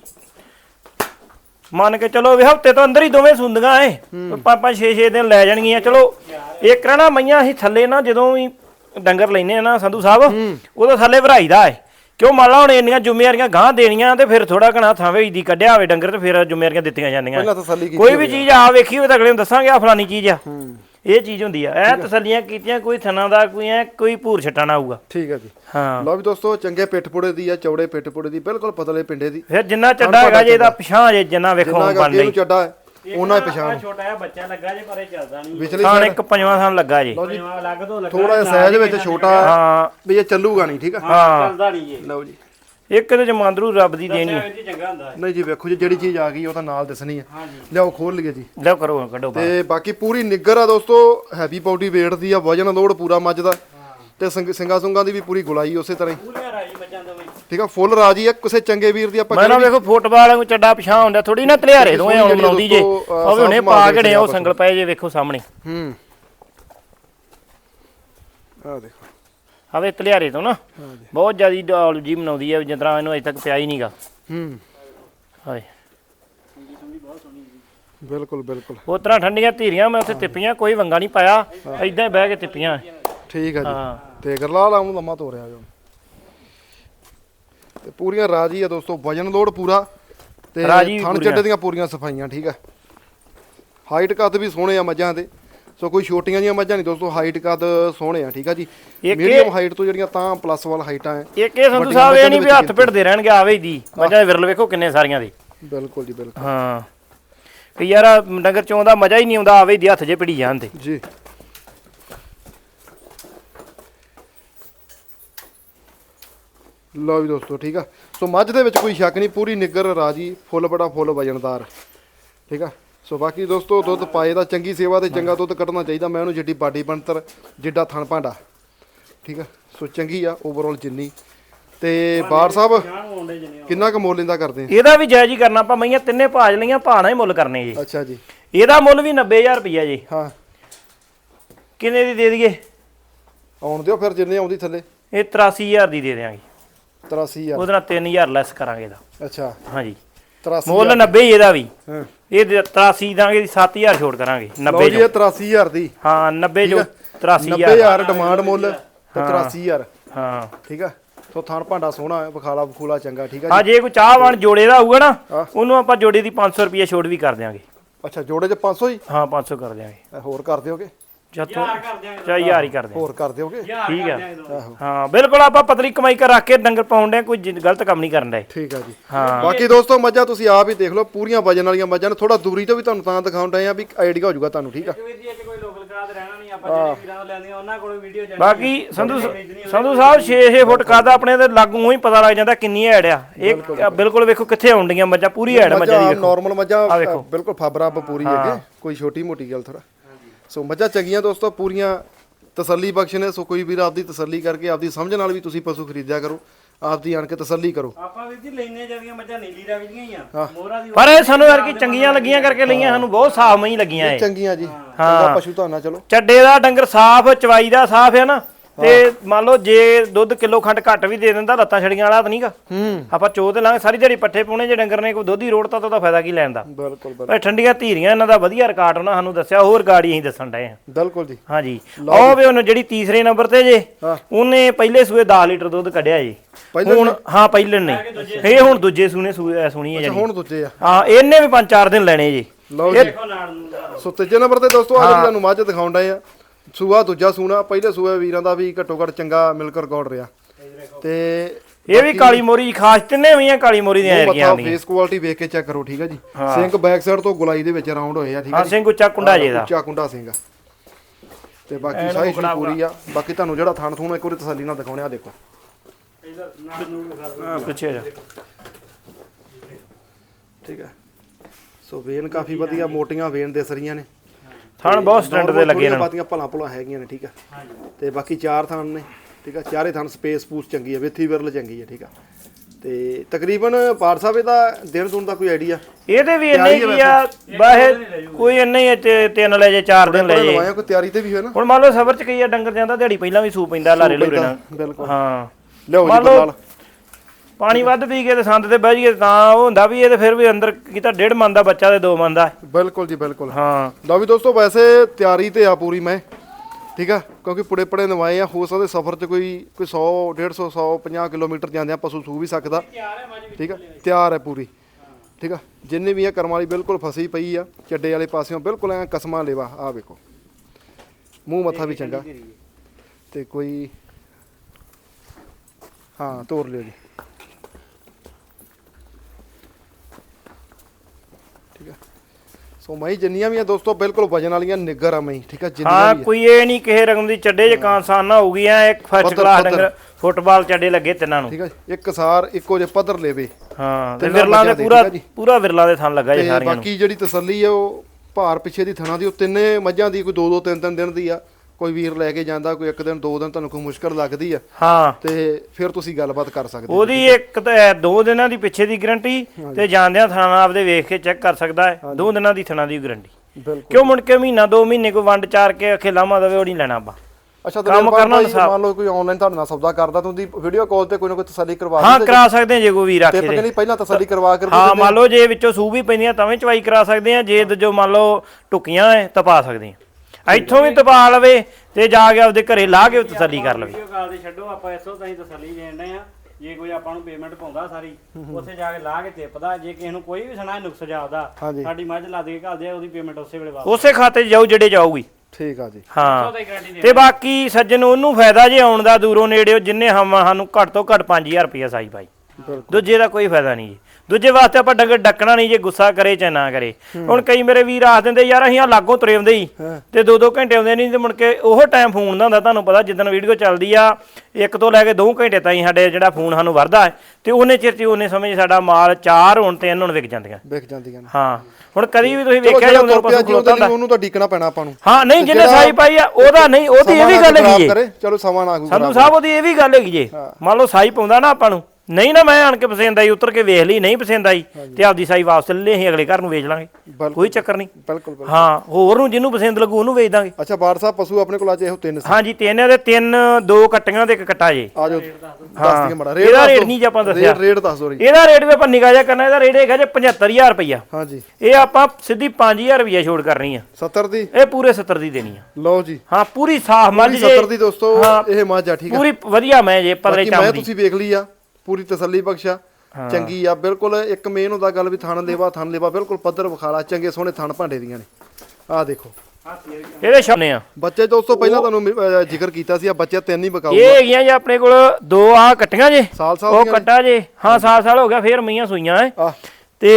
S2: ਮੰਨ ਕੇ ਚਲੋ ਵੀ ਹਫਤੇ ਤੋਂ ਅੰਦਰ ਹੀ ਦੋਵੇਂ ਸੁੰਦੀਆਂ ਏ ਪੰਜ ਪੰਜ ਛੇ ਛੇ ਦਿਨ ਲੈ ਜਾਣਗੀਆਂ ਚਲੋ ਇੱਕ ਰਹਿਣਾ ਮਈਆਂ ਅਸੀਂ ਥੱਲੇ ਨਾ ਜਦੋਂ ਵੀ ਡੰਗਰ ਲੈਨੇ ਆ ਨਾ ਸੰਧੂ ਸਾਹਿਬ ਉਦੋਂ ਥੱਲੇ ਭਰਾਈਦਾ ਏ ਕਿਉਂ ਮੰਨ ਲਾ ਹੁਣ ਇੰਨੀਆਂ ਜ਼ਿੰਮੇਵਾਰੀਆਂ ਗਾਂ ਦੇਣੀਆਂ ਤੇ ਫਿਰ ਥੋੜਾ ਘਣਾ ਥਾਵੇਂ ਦੀ ਕੱਢਿਆ ਹੋਵੇ ਡੰਗਰ ਤੇ ਫਿਰ ਜ਼ਿੰਮੇਵਾਰੀਆਂ ਦਿੱਤੀਆਂ ਜਾਂਦੀਆਂ
S1: ਪਹਿਲਾਂ ਤਸੱਲੀ ਕੀਤੀ
S2: ਕੋਈ ਵੀ ਚੀਜ਼ ਆ ਵੇਖੀ ਹੋਵੇ ਤਾਂ ਅਗਲੇ ਨੂੰ ਦੱਸਾਂਗੇ ਆ ਫਲਾਨੀ ਚੀਜ਼ ਆ ਇਹ ਚੀਜ਼ ਹੁੰਦੀ ਆ ਇਹ ਤਸੱਲੀਆਂ ਕੀਤੀਆਂ ਕੋਈ ਥਣਾ ਦਾ ਕੋਈ ਐ ਕੋਈ ਭੂਰ ਛੱਟਾ ਨਾ ਆਊਗਾ
S1: ਠੀਕ ਆ ਜੀ
S2: ਹਾਂ
S1: ਲਓ ਵੀ ਦੋਸਤੋ ਚੰਗੇ ਪਿੱਠਪੁੜੇ ਦੀ ਆ ਚੌੜੇ ਪਿੱਠਪੁੜੇ ਦੀ ਬਿਲਕੁਲ ਪਤਲੇ ਪਿੰਡੇ ਦੀ
S2: ਫਿਰ ਜਿੰਨਾ ਚੱਡਾ ਹੈਗਾ ਜੇ ਇਹਦਾ ਪਛਾਂ ਜੇ ਜਿੰਨਾ ਵੇਖੋ
S1: ਜਿੰਨਾ
S2: ਬਣ
S1: ਅੱਗੇ
S2: ਲਈ
S1: ਨੂੰ ਚੱਡਾ ਹੈ ਉਹਨਾਂ ਹੀ ਪਛਾਣ
S3: ਛੋਟਾ ਜਿਹਾ ਬੱਚਾ ਲੱਗਾ ਜੇ ਪਰ ਇਹ ਚੱਲਦਾ ਨਹੀਂ
S1: ਵਿਚਲੀ
S2: ਥਾਣ ਇੱਕ ਪੰਜਵਾਂ ਥਾਣ ਲੱਗਾ ਜੀ
S3: ਪੰਜਵਾਂ ਅਲੱਗ ਤੋਂ ਲੱਗਾ
S1: ਥੋੜਾ ਜਿਹਾ ਸਾਈਜ਼ ਵਿੱਚ ਛੋਟਾ
S2: ਹਾਂ
S1: ਵੀ ਇਹ ਚੱਲੂਗਾ ਨਹੀਂ ਠੀਕ ਆ
S3: ਹਾਂ ਚੱਲਦਾ ਨਹੀਂ ਜੀ
S1: ਲਓ ਜੀ
S2: ਇੱਕ ਤੇ ਜਮਾਂਦਰੂ ਰੱਬ ਦੀ ਦੇਣੀ
S3: ਇਹ ਜੀ ਚੰਗਾ ਹੁੰਦਾ ਹੈ
S1: ਨਹੀਂ ਜੀ ਵੇਖੋ ਜੀ ਜਿਹੜੀ ਚੀਜ਼ ਆ ਗਈ ਉਹ ਤਾਂ ਨਾਲ ਦੱਸਣੀ ਹੈ ਲਿਆਓ ਖੋਲ ਲਈਏ ਜੀ
S2: ਲਓ ਕਰੋ ਕੱਢੋ ਬਾਹਰ।
S1: ਤੇ ਬਾਕੀ ਪੂਰੀ ਨਿੱਗਰ ਆ ਦੋਸਤੋ ਹੈਵੀ ਬਾਡੀ weight ਦੀ ਆ ਵਜਨ ਲੋਡ ਪੂਰਾ ਮੱਝ ਦਾ ਤੇ ਸਿੰਘ- ਸਿੰਘਾਂ ਸੁੰਗਾਂ ਦੀ ਵੀ ਪੂਰੀ ਗੁਲਾਈ ਉਸੇ ਤਰ੍ਹਾਂ ਹੀ
S3: ਪੂਰੀਆਂ ਰਾਜੀ ਮੱਝਾਂ ਤੋਂ ਵੀ
S1: ਠੀਕ ਆ ਫੁੱਲ ਰਾਜੀ ਆ ਕਿਸੇ ਚੰਗੇ ਵੀਰ ਦੀ ਆਪਾਂ
S2: ਮੈਂ ਨਾ ਵੇਖੋ ਫੁੱਟਬਾਲ ਨੂੰ ਚੱਡਾ ਪਛਾਂ ਹੁੰਦਾ ਥੋੜੀ ਨਾ ਤਲਿਆਰੇ ਦੋਵੇਂ ਹੁਣ ਬਣਾਉਂਦੀ ਜੇ ਉਹ ਵੀ ਹੁਣੇ ਪਾ ਕੇ ਡੇ ਉਹ ਸੰਗਲ ਪਏ ਜੇ ਵੇਖੋ ਸਾਹਮਣੇ
S1: ਹੂੰ ਆ ਦੇਖੋ
S2: ਆਵੇ ਤਲਿਆਰੇ ਤੋਂ ਨਾ ਬਹੁਤ ਜ਼ਿਆਦੀ ਡਾਲ ਜੀ ਬਣਾਉਂਦੀ ਹੈ ਜਿੰਦਰਾ ਇਹਨੂੰ ਅਜੇ ਤੱਕ ਪਿਆ ਹੀ ਨਹੀਂਗਾ
S1: ਹੂੰ
S2: ਹਾਏ
S1: ਬਿਲਕੁਲ ਬਿਲਕੁਲ
S2: ਉਸ ਤਰ੍ਹਾਂ ਠੰਡੀਆਂ ਧੀਰੀਆਂ ਮੈਂ ਉੱਥੇ ਤਿੱਪੀਆਂ ਕੋਈ ਵੰਗਾ ਨਹੀਂ ਪਾਇਆ ਏਦਾਂ ਹੀ ਬਹਿ ਕੇ ਤਿੱਪੀਆਂ
S1: ਠੀਕ ਆ
S2: ਹਾਂ
S1: ਜੀ ਤੇ ਗਰਲਾਲ ਆਉਂ ਲੰਮਾ ਤੋਰਿਆ ਜੋ ਤੇ ਪੂਰੀਆਂ ਰਾਜੀ ਆ ਦੋਸਤੋ ਵਜਨ ਲੋਡ ਪੂਰਾ ਤੇ
S2: ਰਾਜੀ ਵੀ
S1: ਥਣ
S2: ਪੂਰੀਆਂ।
S1: ਚੱਡੇ ਦੀਆਂ ਪੂਰੀਆਂ ਸਫਾਈਆਂ ਠੀਕ ਆ ਹਾਈਟ ਕੱਦ ਵੀ ਸੋਹਣੇ ਆ ਮੱਝਾਂ ਦੇ ਸੋ ਕੋਈ ਛੋਟੀਆਂ ਜੀਆਂ ਮੱਝਾਂ ਨਹੀਂ ਦੋਸਤੋ ਹਾਈਟ ਕੱਦ ਸੋਹਣੇ ਆ ਠੀਕ ਆ ਜੀ
S2: ਇੱਕ
S1: ਮੀਡੀਅਮ ਹਾਈਟ ਤੋਂ ਜਿਹੜੀਆਂ ਤਾਂ ਪਲੱਸ ਵਾਲ ਹਾਈਟਾਂ ਐ
S2: ਇੱਕ ਇਹ ਸੰਧੂ ਸਾਹਿਬ ਇਹ ਨਹੀਂ ਵੀ ਹੱਥ ਭਿੜਦੇ ਰਹਿਣਗੇ ਆਵੇ ਦੀ ਮੱਝਾਂ ਦੇ ਵਿਰਲ ਵੇਖੋ ਕਿੰਨੇ ਸਾਰੀਆਂ ਦੇ
S1: ਬਿਲਕੁਲ ਜੀ ਬਿਲਕੁਲ
S2: ਹਾਂ ਕਿ ਯਾਰ ਡੰਗਰ ਚੋਂ ਦਾ ਮਜ਼ਾ ਹੀ ਨਹੀਂ ਆਉਂਦਾ ਆਵੇ ਦੀ ਹੱਥ ਜੇ ਭਿੜੀ ਜਾਣ ਤੇ
S1: ਜੀ ਲਓ ਵੀ ਦੋਸਤੋ ਠੀਕ ਆ। ਸੋ ਮੱਝ ਦੇ ਵਿੱਚ ਕੋਈ ਸ਼ੱਕ ਨਹੀਂ, ਪੂਰੀ ਨਿੱਗਰ ਰਾਜੀ, ਫੁੱਲ ਬੜਾ ਫੁੱਲ ਵਜਨਦਾਰ ਠੀਕ ਆ। ਸੋ ਬਾਕੀ ਦੋਸਤੋ ਦੁੱਧ ਪਾਏ ਦਾ ਚੰਗੀ ਸੇਵਾ ਤੇ ਚੰਗਾ ਦੁੱਧ ਕੱਢਣਾ ਚਾਹੀਦਾ। ਮੈਂ ਉਹਨੂੰ ਜਿੱਡੀ ਬਾਡੀ ਬਣਤਰ ਜਿੱਡਾ ਥਣ ਭਾਂਡਾ ਠੀਕ ਆ। ਸੋ ਚੰਗੀ ਆ ਓਵਰਆਲ ਜਿੰਨੀ। ਤੇ ਬਾਰ ਸਾਹਿਬ ਕਿੰਨਾ ਕੁ ਮੁੱਲ ਲੈਂਦਾ ਕਰਦੇ ਆ?
S2: ਇਹਦਾ ਵੀ ਜਾਇਜ਼ ਹੀ ਕਰਨਾ ਆਪਾਂ, ਮਈਆਂ ਤਿੰਨੇ ਭਾਜ ਲਈਆਂ, ਭਾਣਾ ਹੀ ਮੁੱਲ ਕਰਨੇ ਜੀ।
S1: ਅੱਛਾ ਜੀ।
S2: ਇਹਦਾ ਮੁੱਲ ਵੀ ਨੱਬੇ ਹਜ਼ਾਰ ਰੁਪਈਆ ਜੀ।
S1: ਹਾਂ
S2: ਕਿੰਨੇ ਦੀ ਦੇ ਦਈਏ?
S1: ਆਉਣ ਦਿਓ ਫਿਰ ਜਿੰਨੇ ਆਉਂਦੀ ਥੱਲੇ।
S2: ਇਹ ਤਰਾਸੀ ਹਜ਼ਾਰ ਦੀ ਦੇ ਦਿਆਂਗੇ।
S1: ਤਰਾਸੀ ਹਜ਼ਾਰ
S2: ਉਹਦੇ ਨਾਲ ਤਿੰਨ ਹਜ਼ਾਰ ਲੈਸ ਕਰਾਂਗੇ ਇਹਦਾ।
S1: ਅੱਛਾ
S2: ਹਾਂਜੀ
S1: ਤਰਾਸੀ
S2: ਮੁੱਲ ਨੱਬੇ ਹੀ ਇਹਦਾ ਵੀ।
S1: ਹਾਂ
S2: ਇਹ ਤਰਾਸੀ ਦਾਂਗੇ, ਸੱਤ ਹਜ਼ਾਰ ਛੋੜ ਕਰਾਂਗੇ ਨੱਬੇ
S1: ਲਓ ਜੀ ਇਹ ਤਰਾਸੀ ਹਜ਼ਾਰ ਦੀ।
S2: ਹਾਂ ਨੱਬੇ ਜੋ ਤਰਾਸੀ
S1: ਨੱਬੇ
S2: ਹਜ਼ਾਰ
S1: ਹਜ਼ਾਰ ਡਿਮਾਂਡ ਮੁੱਲ ਤੇ ਤਰਾਸੀ ਹਜ਼ਾਰ
S2: ਹਾਂ
S1: ਠੀਕ ਆ। ਸੋ ਥਣ ਭਾਂਡਾ ਸੋਹਣਾ ਵਿਖਾਲਾ ਬਖੂਲਾ ਚੰਗਾ ਠੀਕ ਆ
S2: ਹਾਂ।
S1: ਜੀ।
S2: ਜੇ ਕੋਈ ਚਾਹਵਾਨ ਜੋੜੇ ਦਾ ਹੋਊਗਾ ਨਾ
S1: ਹਾਂ।
S2: ਉਹਨੂੰ ਆਪਾਂ ਜੋੜੇ ਦੀ ਪੰਜ ਸੌ ਰੁਪਏ ਛੋੜ ਵੀ ਕਰ ਦਿਆਂਗੇ।
S1: ਅੱਛਾ ਜੋੜੇ 'ਚ ਪੰਜ ਸੌ ਹੀ?
S2: ਹਾਂ ਪੰਜ ਸੌ ਕਰ ਦਿਆਂਗੇ।
S1: ਇਹ ਹੋਰ ਕਰ ਦਿਓਗੇ?
S2: ਜੱਥੋਂ
S3: ਯਾਰ ਕਰ ਦਿਆਂਗੇ,
S2: ਚਾਹੇ ਹਜ਼ਾਰ ਹੀ ਕਰ ਦਿਆਂਗੇ।
S1: ਹੋਰ ਕਰ ਦਿਓਗੇ?
S3: ਯਾਰ
S2: ਠੀਕ
S3: ਕਰ
S2: ਆ।
S3: ਦਿਆਂਗੇ ਦੋ।
S1: ਆਹੋ
S2: ਹਾਂ ਬਿਲਕੁਲ ਆਪਾਂ ਪਤਲੀ ਕਮਾਈ ਕਰ ਰੱਖ ਕੇ ਡੰਗਰ ਪਾਉਣ ਦੇ, ਕੋਈ ਜਿ- ਗਲਤ ਕੰਮ ਨਹੀਂ ਕਰਨ ਦੇ।
S1: ਠੀਕ ਆ ਜੀ।
S2: ਹਾਂ
S1: ਬਾਕੀ ਦੋਸਤੋ ਮੱਝਾਂ ਤੁਸੀਂ ਆਪ ਹੀ ਦੇਖ ਲਓ, ਪੂਰੀਆਂ ਵਜਨ ਵਾਲੀਆਂ ਮੱਝਾਂ ਨੇ। ਥੋੜਾ ਦੂਰੀ ਤੋਂ ਵੀ ਤੁਹਾਨੂੰ ਤਾਂ ਦਿਖਾਉਣ ਡਏ ਆ ਵੀ ਆਈਡੀਆ ਹੋ ਜਾਊਗਾ ਤੁਹਾਨੂੰ ਠੀਕ ਆ।
S3: ਵੀਰ ਜੀ ਇੱਥੇ ਕੋਈ ਲੋਕਲ ਕਰਾਦ ਰਹਿਣਾ ਨਹੀਂ, ਆਪਾਂ ਜਿਹੜੇ ਵੀਰਾਂ ਤੋਂ ਲੈਂਦੇ ਆ ਉਹਨਾਂ ਕੋਲੋਂ ਵੀਡੀਓ ਜਾਣੀ।
S2: ਬਾਕੀ ਸੰਧੂ ਸੰਧੂ ਸਾਹਿਬ ਛੇ ਛੇ ਫੁੱਟ ਕਾਦਾ ਆਪਣੇ ਤੇ ਲਾਗੂ ਹੀ ਪਤਾ ਲੱਗ ਜਾਂਦਾ ਕਿੰਨੀ ਐੜ ਆ। ਇਹ ਬਿਲਕੁਲ ਵੇਖੋ ਕਿੱਥੇ ਆਉਂਦੀਆਂ ਮੱਝਾਂ, ਪੂਰੀ ਐੜ ਮੱਝਾਂ ਦੀ ਵੇਖੋ।
S1: ਨਾਰਮਲ ਮੱਝਾਂ
S2: ਆਹ ਵੇਖੋ।
S1: ਬਿਲਕੁਲ ਫਾਬਰਾ ਪੂਰੀ ਹੈਗੇ, ਕੋਈ ਛੋਟੀ ਮੋਟੀ ਗੱਲ ਥੋੜਾ। ਸੋ ਮੱਝਾਂ ਚੰਗੀਆਂ ਦੋਸਤੋ, ਪੂਰੀਆਂ ਤਸੱਲੀ ਬਖਸ਼ ਨੇ। ਸੋ ਕੋਈ ਵੀਰ ਆਪਦੀ ਤਸੱਲੀ ਕਰਕੇ ਆਪਦੀ ਸਮਝ ਨਾਲ ਵੀ ਤੁਸੀਂ ਪਸ਼ੂ ਖਰੀਦਿਆ ਕਰੋ, ਆਪਦੀ ਆਣ ਕੇ ਤਸੱਲੀ ਕਰੋ।
S3: ਆਪਾਂ ਵੀਰ ਜੀ ਲੈਨੇ ਜਾਂਦੀਆਂ ਮੱਝਾਂ ਨੀਲੀ ਰੰਗ ਦੀਆਂ ਹੀ ਆ, ਮੋਹਰਾ ਦੀ।
S2: ਪਰ ਇਹ ਸਾਨੂੰ ਯਾਰ ਕੀ ਚੰਗੀਆਂ ਲੱਗੀਆਂ ਕਰਕੇ ਲਈਆਂ, ਸਾਨੂੰ ਬਹੁਤ ਸਾਫ ਮਈ ਲੱਗੀਆਂ ਇਹ।
S1: ਚੰਗੀਆਂ ਜੀ, ਚੰਗਾ ਪਸ਼ੂ ਧਾਨਾ। ਚਲੋ
S2: ਚੱਡੇ ਦਾ ਡੰਗਰ ਸਾਫ, ਚਵਾਈ ਦਾ ਸਾਫ ਹੈ ਨਾ। ਤੇ ਮੰਨ ਲਓ ਜੇ ਦੁੱਧ ਕਿਲੋ ਖੰਡ ਘੱਟ ਵੀ ਦੇ ਦਿੰਦਾ, ਲੱਤਾਂ ਛੜੀਆਂ ਵਾਲਾ ਤਾਂ ਨਹੀਂਗਾ।
S1: ਹੂੰ
S2: ਆਪਾਂ ਚੋ ਤੇ ਲਾਂਗੇ ਸਾਰੀ ਦਿਹਾੜੀ ਪੱਠੇ ਪਾਉਣੇ, ਜੇ ਡੰਗਰ ਨੇ ਕੋਈ ਦੁੱਧ ਹੀ ਰੋੜਤਾ ਤਾਂ ਉਹਦਾ ਫਾਇਦਾ ਕੀ ਲੈਣ ਦਾ।
S1: ਬਿਲਕੁਲ ਬਿਲਕੁਲ
S2: ਪਰ ਠੰਡੀਆਂ ਧੀਰੀਆਂ ਇਹਨਾਂ ਦਾ ਵਧੀਆ ਰਿਕਾਰਡ ਉਹਨਾਂ ਸਾਨੂੰ ਦੱਸਿਆ, ਹੋਰ ਗਾੜੀ ਅਸੀਂ ਦੱਸਣ ਡਏ ਆ।
S1: ਬਿਲਕੁਲ ਜੀ।
S2: ਹਾਂਜੀ ਉਹ ਵੀ ਉਹਨੂੰ ਜਿਹੜੀ ਤੀਸਰੇ ਨੰਬਰ ਤੇ ਜੇ
S1: ਹਾਂ।
S2: ਉਹਨੇ ਪਹਿਲੇ ਸੂਏ ਦਸ ਲੀਟਰ ਦੁੱਧ ਕੱਢਿਆ ਜੀ।
S1: ਪਹਿਲੇ
S2: ਹੁਣ ਹਾਂ ਪਹਿਲੇ ਨੇ, ਇਹ ਹੁਣ ਦੂਜੇ ਸੂਨੇ ਸੂਏ ਸੁਣੀ ਹੈ
S1: ਅੱਛਾ
S2: ਜੀ।
S1: ਹੁਣ ਦੂਜੇ ਆ।
S2: ਹਾਂ ਇਹਨੇ ਵੀ ਪੰਜ ਚਾਰ ਦਿਨ ਲੈਣੇ ਜੀ।
S1: ਲਓ ਜੀ।
S3: ਦੇਖੋ ਨਾਲ ਨੂੰ
S1: ਸੋ ਤੀਜੇ ਨੰਬਰ ਤੇ ਦੋਸਤੋ ਆ ਜਿਹੜੀ ਤੁਹਾਨੂੰ ਮੱਝ ਦਿਖਾਉਣ ਡਏ ਆ, ਸੂਆ ਦੂਜਾ ਸੂਣਾ। ਪਹਿਲੇ ਸੂਏ ਵੀਰਾਂ ਦਾ ਵੀ ਘੱਟੋ ਘੱਟ ਚੰਗਾ ਮਿਲਕ ਰਿਕਾਰਡ ਰਿਹਾ। ਤੇ
S2: ਇਹ ਵੀ ਕਾਲੀ ਮੋਰੀ ਖਾਸ ਤਿੰਨੇ ਵੀ ਆ ਕਾਲੀ ਮੋਰੀ ਦੀਆਂ
S1: ਮੱਥਾ
S2: ਐਰਗੀਆਂ ਦੀਆਂ।
S1: ਫੇਸ ਕੁਆਲਿਟੀ ਵੇਖ ਕੇ ਚੈੱਕ ਕਰੋ ਠੀਕ ਆ ਜੀ। ਸਿੰਘ ਬੈਕ ਸਾਈਡ ਤੋਂ ਗੁਲਾਈ ਦੇ ਵਿੱਚ ਰਾਉਂਡ ਹੋਏ ਆ ਠੀਕ ਆ
S2: ਹਾਂ
S1: ਜੀ।
S2: ਸਿੰਘ ਉੱਚਾ ਕੁੰਡਾ ਜੇ ਦਾ।
S1: ਉੱਚਾ ਕੁੰਡਾ ਸਿੰਘ ਤੇ ਬਾਕੀ ਸਾਈ ਸੁਈ ਪੂਰੀ ਆ। ਬਾਕੀ ਤੁਹਾਨੂੰ ਜਿਹੜਾ ਥਣ ਥੂਣ ਇੱਕ ਵਾਰੀ ਤਸੱਲੀ ਨਾਲ ਦਿਖਾਉਣੇ ਆ, ਦੇਖੋ
S3: ਇਧਰ ਨਾਲ ਨੂੰ ਕਰ
S2: ਹਾਂ ਪਿੱਛੇ ਜਾ।
S1: ਠੀਕ ਆ। ਸੋ ਵੇਨ ਕਾਫੀ ਵਧੀਆ, ਮੋਟੀਆਂ ਵੇਨ ਦਿਸ ਰਹੀਆਂ ਨੇ।
S2: ਥਣ ਬਹੁਤ ਸਟੈਂਡ ਦੇ ਲੱਗੇ ਇਹਨਾਂ ਨੂੰ।
S1: ਬਾਤੀਆਂ ਭਲਾ ਭੁਲਾ ਹੈਗੀਆਂ ਨੇ ਠੀਕ ਆ। ਤੇ ਬਾਕੀ ਚਾਰ ਥਣ ਨੇ ਠੀਕ ਆ। ਚਾਰੇ ਥਣ ਸਪੇਸ ਪੂਸ ਚੰਗੀ ਆ, ਵੇਥੀ ਵਿਰਲ ਚੰਗੀ ਆ ਠੀਕ ਆ। ਤੇ ਤਕਰੀਬਨ ਪਾਰ ਸਾਹਿਬ ਇਹਦਾ ਦਿਨ ਦੁਨ ਦਾ ਕੋਈ ਆਈਡੀਆ?
S2: ਇਹਦੇ ਵੀ ਇੰਨੇ ਕੀ ਆ ਬਾਹੇ ਕੋਈ ਇੰਨੇ ਹੀ ਤੇ ਤਿੰਨ ਲੈ ਜੇ ਚਾਰ ਦਿਨ ਲੈ ਜੇ।
S1: ਲਵਾਇਆ ਕੋਈ ਤਿਆਰੀ ਤੇ ਵੀ ਹੋਇਆ ਨਾ।
S2: ਹੁਣ ਮੰਨ ਲਓ ਸਬਰ ਚ ਕਈ ਆ ਡੰਗਰ ਜਾਂਦਾ ਦਿਹਾੜੀ ਪਹਿਲਾਂ ਵੀ ਸੂ ਪੈਂਦਾ ਲਾਰੇ ਲੂਰੇ ਨਾਲ।
S1: ਬਿਲਕੁਲ
S2: ਹਾਂ
S1: ਲਿਓ ਜੀ
S2: ਮੰਨ ਲਓ
S1: ਨਾਲ
S2: ਪਾਣੀ ਵੱਧ ਪੀ ਕੇ ਤੇ ਸੰਦ ਤੇ ਬਹਿ ਜੀਏ ਤਾਂ ਉਹ ਹੁੰਦਾ ਵੀ ਇਹ ਤੇ ਫਿਰ ਵੀ ਅੰਦਰ ਕੀਤਾ ਡੇਢ ਮਨ ਦਾ ਬੱਚਾ ਤੇ ਦੋ ਮਨ ਦਾ।
S1: ਬਿਲਕੁਲ ਜੀ ਬਿਲਕੁਲ।
S2: ਹਾਂ
S1: ਲਓ ਵੀ ਦੋਸਤੋ ਵੈਸੇ ਤਿਆਰੀ ਤੇ ਆ ਪੂਰੀ ਮੈਂ ਠੀਕ ਆ, ਕਿਉਂਕਿ ਪੁੜੇ ਪੜੇ ਨਵਾਏ ਆ। ਹੋ ਸਕਦੇ ਸਫ਼ਰ 'ਚ ਕੋਈ ਕੋਈ ਸੌ ਡੇਢ ਸੌ ਸੌ ਪੰਜਾਹ ਕਿਲੋਮੀਟਰ ਜਾਂਦੇ ਆ ਪਸ਼ੂ ਸੂ ਵੀ ਸਕਦਾ ਠੀਕ ਆ। ਤਿਆਰ ਹੈ ਪੂਰੀ ਠੀਕ ਆ। ਜਿੰਨੇ ਵੀ ਆ ਕਰਮ ਵਾਲੀ ਬਿਲਕੁਲ ਫਸੀ ਪਈ ਆ ਚੱਡੇ ਵਾਲੇ ਪਾਸਿਓਂ, ਬਿਲਕੁਲ ਐ ਕਸਮਾਂ ਲੇਵਾ। ਆ ਵੇਖੋ ਮੂੰਹ ਮੱਥਾ ਵੀ ਚੰਗਾ ਤੇ ਕੋਈ ਹਾਂ ਤੋਰ ਲਿਓ ਜੀ ਠੀਕ ਆ। ਸੋ ਮਈ ਜਿੰਨੀਆਂ ਵੀ ਆ ਦੋਸਤੋ ਬਿਲਕੁਲ ਵਜਨ ਵਾਲੀਆਂ ਨਿੱਗਰ ਆ ਮਈ ਠੀਕ ਆ। ਜਿੰਨੀਆਂ
S2: ਹਾਂ
S1: ਵੀ ਆ
S2: ਕੋਈ ਇਹ ਨਹੀਂ ਕਿਸੇ ਰਕਮ ਦੀ ਚੱਡੇ ਚ ਕਾਂਸਾਨ ਨਾ ਹੋਊਗੀ ਐ ਇੱਕ ਫਸਟ
S1: ਪੱਧਰ-
S2: ਕਲਾਸ
S1: ਪੱਧਰ।
S2: ਡੰਗਰ ਫੁੱਟਬਾਲ ਚੱਡੇ ਲੱਗੇ ਤਿੰਨਾਂ ਨੂੰ
S1: ਠੀਕ ਆ। ਇੱਕ ਸਾਰ ਇੱਕੋ ਜਿਹੇ ਪੱਧਰ ਲੇਵੇ
S2: ਹਾਂ। ਤੇ
S1: ਤਿੰਨਾਂ
S2: ਵਿਰਲਾਂ ਦੇ
S1: ਮੱਝਾਂ ਦੇ,
S2: ਪੂਰਾ
S1: ਠੀਕ ਆ ਜੀ।
S2: ਪੂਰਾ ਵਿਰਲਾਂ ਦੇ ਥਣ ਲੱਗਾ ਜੀ
S1: ਤੇ
S2: ਸਾਰੀਆਂ ਨੂੰ।
S1: ਬਾਕੀ ਜਿਹੜੀ ਤਸੱਲੀ ਆ ਉਹ ਭਾਰ ਪਿੱਛੇ ਦੀ ਥਣਾ ਦੀ, ਉਹ ਤਿੰਨੇ ਮੱਝਾਂ ਦੀ ਕੋਈ ਦੋ ਦੋ ਤਿੰਨ ਤਿੰਨ ਦਿਨ ਦੀ ਆ। ਕੋਈ ਵੀਰ ਲੈ ਕੇ ਜਾਂਦਾ, ਕੋਈ ਇੱਕ ਦਿਨ ਦੋ ਦਿਨ ਤੁਹਾਨੂੰ ਕੋਈ ਮੁਸ਼ਕਲ ਲੱਗਦੀ ਆ
S2: ਹਾਂ
S1: ਤੇ ਫਿਰ ਤੁਸੀਂ ਗੱਲਬਾਤ ਕਰ ਸਕਦੇ ਹੋ।
S2: ਉਹਦੀ ਇੱਕ ਤਾਂ ਹੈ ਦੋ ਦਿਨਾਂ ਦੀ ਪਿੱਛੇ ਦੀ ਗਾਰੰਟੀ ਤੇ ਜਾਂਦਿਆਂ ਥਣਾ ਆਪਦੇ ਵੇਖ ਕੇ ਚੈੱਕ ਕਰ ਸਕਦਾ ਹੈ। ਦੋ ਦਿਨਾਂ ਦੀ ਥਣਾ ਦੀ ਗਾਰੰਟੀ।
S1: ਬਿਲਕੁਲ।
S2: ਕਿਉਂ ਮੁੜ ਕੇ ਮਹੀਨਾ ਦੋ ਮਹੀਨੇ ਕੋਈ ਵੰਡ ਚਾਰ ਕੇ ਅਖੇ ਲਾਮਾ ਦਵੇ ਉਹ ਨਹੀਂ ਲੈਣਾ ਆਪਾਂ।
S1: ਅੱਛਾ
S2: ਕੰਮ
S1: ਕੰਮ
S2: ਕਰਨਾ
S1: ਕਰਨਾ
S2: ਇਨਸਾਫ਼।
S1: ਮੰਨ ਲਓ ਕੋਈ ਆਨਲਾਈਨ ਤੁਹਾਡੇ ਨਾਲ ਸੌਦਾ ਕਰਦਾ, ਤੁਸੀਂ ਵੀਡੀਓ ਕਾਲ ਤੇ ਕੋਈ ਨਾ ਕੋਈ ਤਸੱਲੀ ਕਰਵਾ
S2: ਹਾਂ
S1: ਦਿੰਦੇ
S2: ਕਰਾ ਸਕਦੇ ਆ ਜੇ ਕੋਈ ਵੀਰ
S1: ਤੇ
S2: ਆਖੇ
S1: ਪਤਾ ਨਹੀਂ ਪਹਿਲਾਂ ਤਸੱਲੀ ਕਰਵਾ ਕੇ
S2: ਹਾਂ ਮੰਨ ਲਓ ਜੇ ਵਿੱਚੋਂ ਸੂ ਵੀ ਪੈਂਦੀਆਂ ਤਾਂ ਵੀ ਚਵਾਈ ਕਰਾ ਸਕਦੇ ਆ। ਜੇ ਜੋ ਮੰਨ ਲਓ ਟੁਕੀਆਂ ਐ ਤਪਾ ਸਕਦੇ ਆ। ਇੱਥੋਂ ਵੀ ਤਪਾ ਲਵੇ ਤੇ ਜਾ ਕੇ ਆਪਦੇ ਘਰੇ ਲਾ ਕੇ ਤਸੱਲੀ ਕਰ ਲਵੇ।
S3: ਵੀਡੀਓ ਕਾਲ ਤੇ ਛੱਡੋ, ਆਪਾਂ ਇਸੋ ਤਾਈਂ ਤਸੱਲੀ ਦੇਣ ਡਏ ਆ। ਜੇ ਕੋਈ ਆਪਾਂ ਨੂੰ ਪੇਮੈਂਟ ਪਾਉਂਦਾ ਸਾਰੀ ਉੱਥੇ ਜਾ ਕੇ ਲਾ ਕੇ ਟਿੱਪਦਾ, ਜੇ ਕਿਸੇ ਨੂੰ ਕੋਈ ਵੀ ਸੁਣਾ ਨੁਕਸ ਜਾਪਦਾ
S1: ਹਾਂਜੀ।
S3: ਸਾਡੀ ਮੱਝ ਲੱਦ ਕੇ ਘੱਲਦੇ ਆ, ਉਹਦੀ ਪੇਮੈਂਟ ਉਸੇ ਵੇਲੇ ਵਾਪਸ
S2: ਉਸੇ ਖਾਤੇ 'ਚ ਜਾਊ ਜਿਹੜੇ ਜਾਊਗੀ।
S1: ਠੀਕ ਆ ਜੀ।
S2: ਹਾਂ
S3: ਉਹਦਾ ਹੀ ਗਾਰੰਟੀ ਦੇ।
S2: ਤੇ ਬਾਕੀ ਸੱਜਣ ਉਹਨੂੰ ਫਾਇਦਾ ਜੇ ਆਉਣ ਦਾ ਦੂਰੋਂ ਨੇੜਿਓ ਜਿੰਨੇ ਹਮ ਸਾਨੂੰ ਘੱਟ ਤੋਂ ਘੱਟ ਪੰਜ ਹਜ਼ਾਰ ਰੁਪਇਆ ਸਾਈ ਪਾਈ। ਦੂਜੇ ਦਾ ਕੋਈ ਫਾਇਦਾ ਨਹੀਂ ਜੀ। ਦੂਜੇ ਵਾਸਤੇ ਆਪਾਂ ਡੰਗਰ ਡੱਕਣਾ ਨਹੀਂ ਜੇ ਗੁੱਸਾ ਕਰੇ ਚਾਹੇ ਨਾ ਕਰੇ। ਹੁਣ ਕਈ ਮੇਰੇ ਵੀਰ ਆਖ ਦਿੰਦੇ ਯਾਰ ਅਸੀਂ ਆ ਲਾਗੋਂ ਤੁਰੇ ਆਉਂਦੇ ਹੀ ਤੇ ਦੋ ਦੋ ਘੰਟੇ ਆਉਂਦੇ ਨਹੀਂ ਤੇ ਮੁੜ ਕੇ ਉਹ ਟਾਈਮ ਫੋਨ ਦਾ ਹੁੰਦਾ। ਤੁਹਾਨੂੰ ਪਤਾ ਜਿੱਦਣ ਵੀਡੀਓ ਚੱਲਦੀ ਆ ਇੱਕ ਤੋਂ ਲੈ ਕੇ ਦੋ ਘੰਟੇ ਤਾਈਂ ਸਾਡੇ ਜਿਹੜਾ ਫੋਨ ਸਾਨੂੰ ਵਰਦਾ ਹੈ ਤੇ ਉਹਨੇ ਚਿਰ ਚ ਉਹਨੇ ਸਮੇਂ ਸਾਡਾ ਮਾਲ ਚਾਰ ਹੋਣ ਤੇ ਇਹਨਾਂ ਨੂੰ ਵਿਕ ਜਾਂਦੀਆਂ
S1: ਵਿਕ ਜਾਂਦੀਆਂ ਨੇ।
S2: ਹਾਂ ਹੁਣ ਕਦੀ ਵੀ ਤੁਸੀਂ ਵੇਖਿਆ ਜਦੋਂ ਪਸ਼ੂ ਖਲੋਤਾ ਹੁੰਦਾ
S1: ਉਹਨੂੰ ਤਾਂ ਡੀਕਣਾ ਪੈਣਾ ਆਪਾਂ ਨੂੰ।
S2: ਹਾਂ ਨਹੀਂ ਜਿਹਨੇ ਸਾਈ ਪਾਈ ਆ ਉਹਦਾ ਨਹੀਂ ਉਹਦੀ ਇਹ ਵੀ ਗੱਲ ਹੈਗੀ ਜੇ
S1: ਚਲੋ ਸਮਾਂ ਨਾ ਆਗੂ
S2: ਸੰਧੂ ਸਾਹਿਬ ਉਹਦੀ ਇਹ ਵੀ ਗੱਲ ਹੈਗੀ ਜੇ ਮੰਨ ਲਓ ਸਾਈ ਪਾਉਂਦਾ ਨਾ ਆਪਾਂ ਨੂੰ ਨਹੀਂ ਨਾ ਮੈਂ ਆਣ ਕੇ ਪਸੰਦ ਆਈ ਉਤਰ ਕੇ ਵੇਖ ਲਈ ਨਹੀਂ ਪਸੰਦ ਆਈ ਤੇ ਆਪਦੀ ਸਾਈ ਵਾਪਸ ਲੈ ਅਸੀਂ ਅਗਲੇ ਘਰ ਨੂੰ ਵੇਚ ਲਾਂਗੇ ਕੋਈ ਚੱਕਰ ਨਹੀਂ।
S1: ਬਿਲਕੁਲ
S2: ਹਾਂ ਹੋਰ ਨੂੰ ਜਿਹਨੂੰ ਪਸੰਦ ਲੱਗੂ ਉਹਨੂੰ ਵੇਚ ਦਾਂਗੇ।
S1: ਅੱਛਾ ਬਾੜ ਸਾਹਿਬ ਪਸ਼ੂ ਆਪਣੇ ਕੋਲ ਅੱਜ ਇਹੋ ਤਿੰਨ ਸੀ।
S2: ਹਾਂਜੀ ਤਿੰਨ ਦੇ ਤਿੰਨ ਦੋ ਕੱਟੀਆਂ ਤੇ ਇੱਕ ਕੱਟਾ ਜੇ।
S1: ਆ ਜਾਓ ਦੱਸ ਦਈਏ ਮਾੜਾ
S2: ਇਹਦਾ ਰੇਟ ਨਹੀਂ ਜੇ ਆਪਾਂ ਦੱਸਿਆ
S1: ਰੇਟ ਦੱਸ ਦੋ ਜੀ।
S2: ਇਹਦਾ ਰੇਟ ਵੀ ਆਪਾਂ ਨਿਕਾ ਜਿਹਾ ਕਰਨਾ ਇਹਦਾ ਰੇਟ ਹੈਗਾ ਜੇ ਪਝੱਤਰ ਹਜ਼ਾਰ ਰੁਪਈਆ।
S1: ਹਾਂਜੀ
S2: ਇਹ ਆਪਾਂ ਸਿੱਧੀ ਪੰਜ ਹਜ਼ਾਰ ਰੁਪਈਆ ਛੋੜ ਕਰਨੀ ਆ।
S1: ਸੱਤਰ ਦੀ
S2: ਇਹ ਪੂਰੇ ਸੱਤਰ ਦੀ ਦੇਣੀ ਆ।
S1: ਲਓ ਜੀ
S2: ਹਾਂ ਪੂਰੀ ਸਾਫ ਮੱਝ ਜੇ
S1: ਸੱਤਰ ਦੀ ਦੋਸਤੋ ਇਹ ਮੱਝ ਆ ਠੀਕ ਆ
S2: ਪੂਰੀ ਵਧੀਆ ਮੈਂ ਜੇ ਪਤਲੇ
S1: ਬਾਕੀ
S2: ਚਾਮ
S1: ਮੈਂ
S2: ਦੀ
S1: ਤੁਸੀਂ ਵੇਖ ਲਈ ਆ ਪੂਰੀ ਤਸੱਲੀ ਬਖਸ਼ਾ ਚੰਗੀ ਆ ਬਿਲਕੁਲ। ਇੱਕ ਮੇਨ ਹੁੰਦਾ ਗੱਲ ਵੀ ਥਣ ਲੇਵਾ ਥਣ ਲੇਵਾ ਬਿਲਕੁਲ ਪੱਧਰ ਵਿਖਾਲਾ ਚੰਗੇ ਸੋਹਣੇ ਥਣ ਭਾਂਡੇ ਦੀਆਂ ਨੇ। ਆਹ ਦੇਖੋ
S2: ਇਹਦੇ ਛਾਨੇ ਆ
S1: ਬੱਚੇ ਦੋਸਤੋ ਪਹਿਲਾਂ ਤੁਹਾਨੂੰ ਅਹ, ਜ਼ਿਕਰ ਕੀਤਾ ਸੀ ਆ ਬੱਚੇ ਤਿੰਨ ਹੀ ਬਕਾਊ
S2: ਇਹ ਹੈਗੀਆਂ ਜੇ ਆਪਣੇ ਕੋਲ ਦੋ ਆ ਕੱਟੀਆਂ ਜੇ
S1: ਸਾਲ ਸਾਲ
S2: ਉਹ ਕੱਟਾ ਜੇ ਹਾਂ ਸਾਲ ਸਾਲ ਹੋ ਗਿਆ ਫੇਰ ਮਈਆਂ ਸੂਈਆਂ ਐ
S1: ਆ
S2: ਤੇ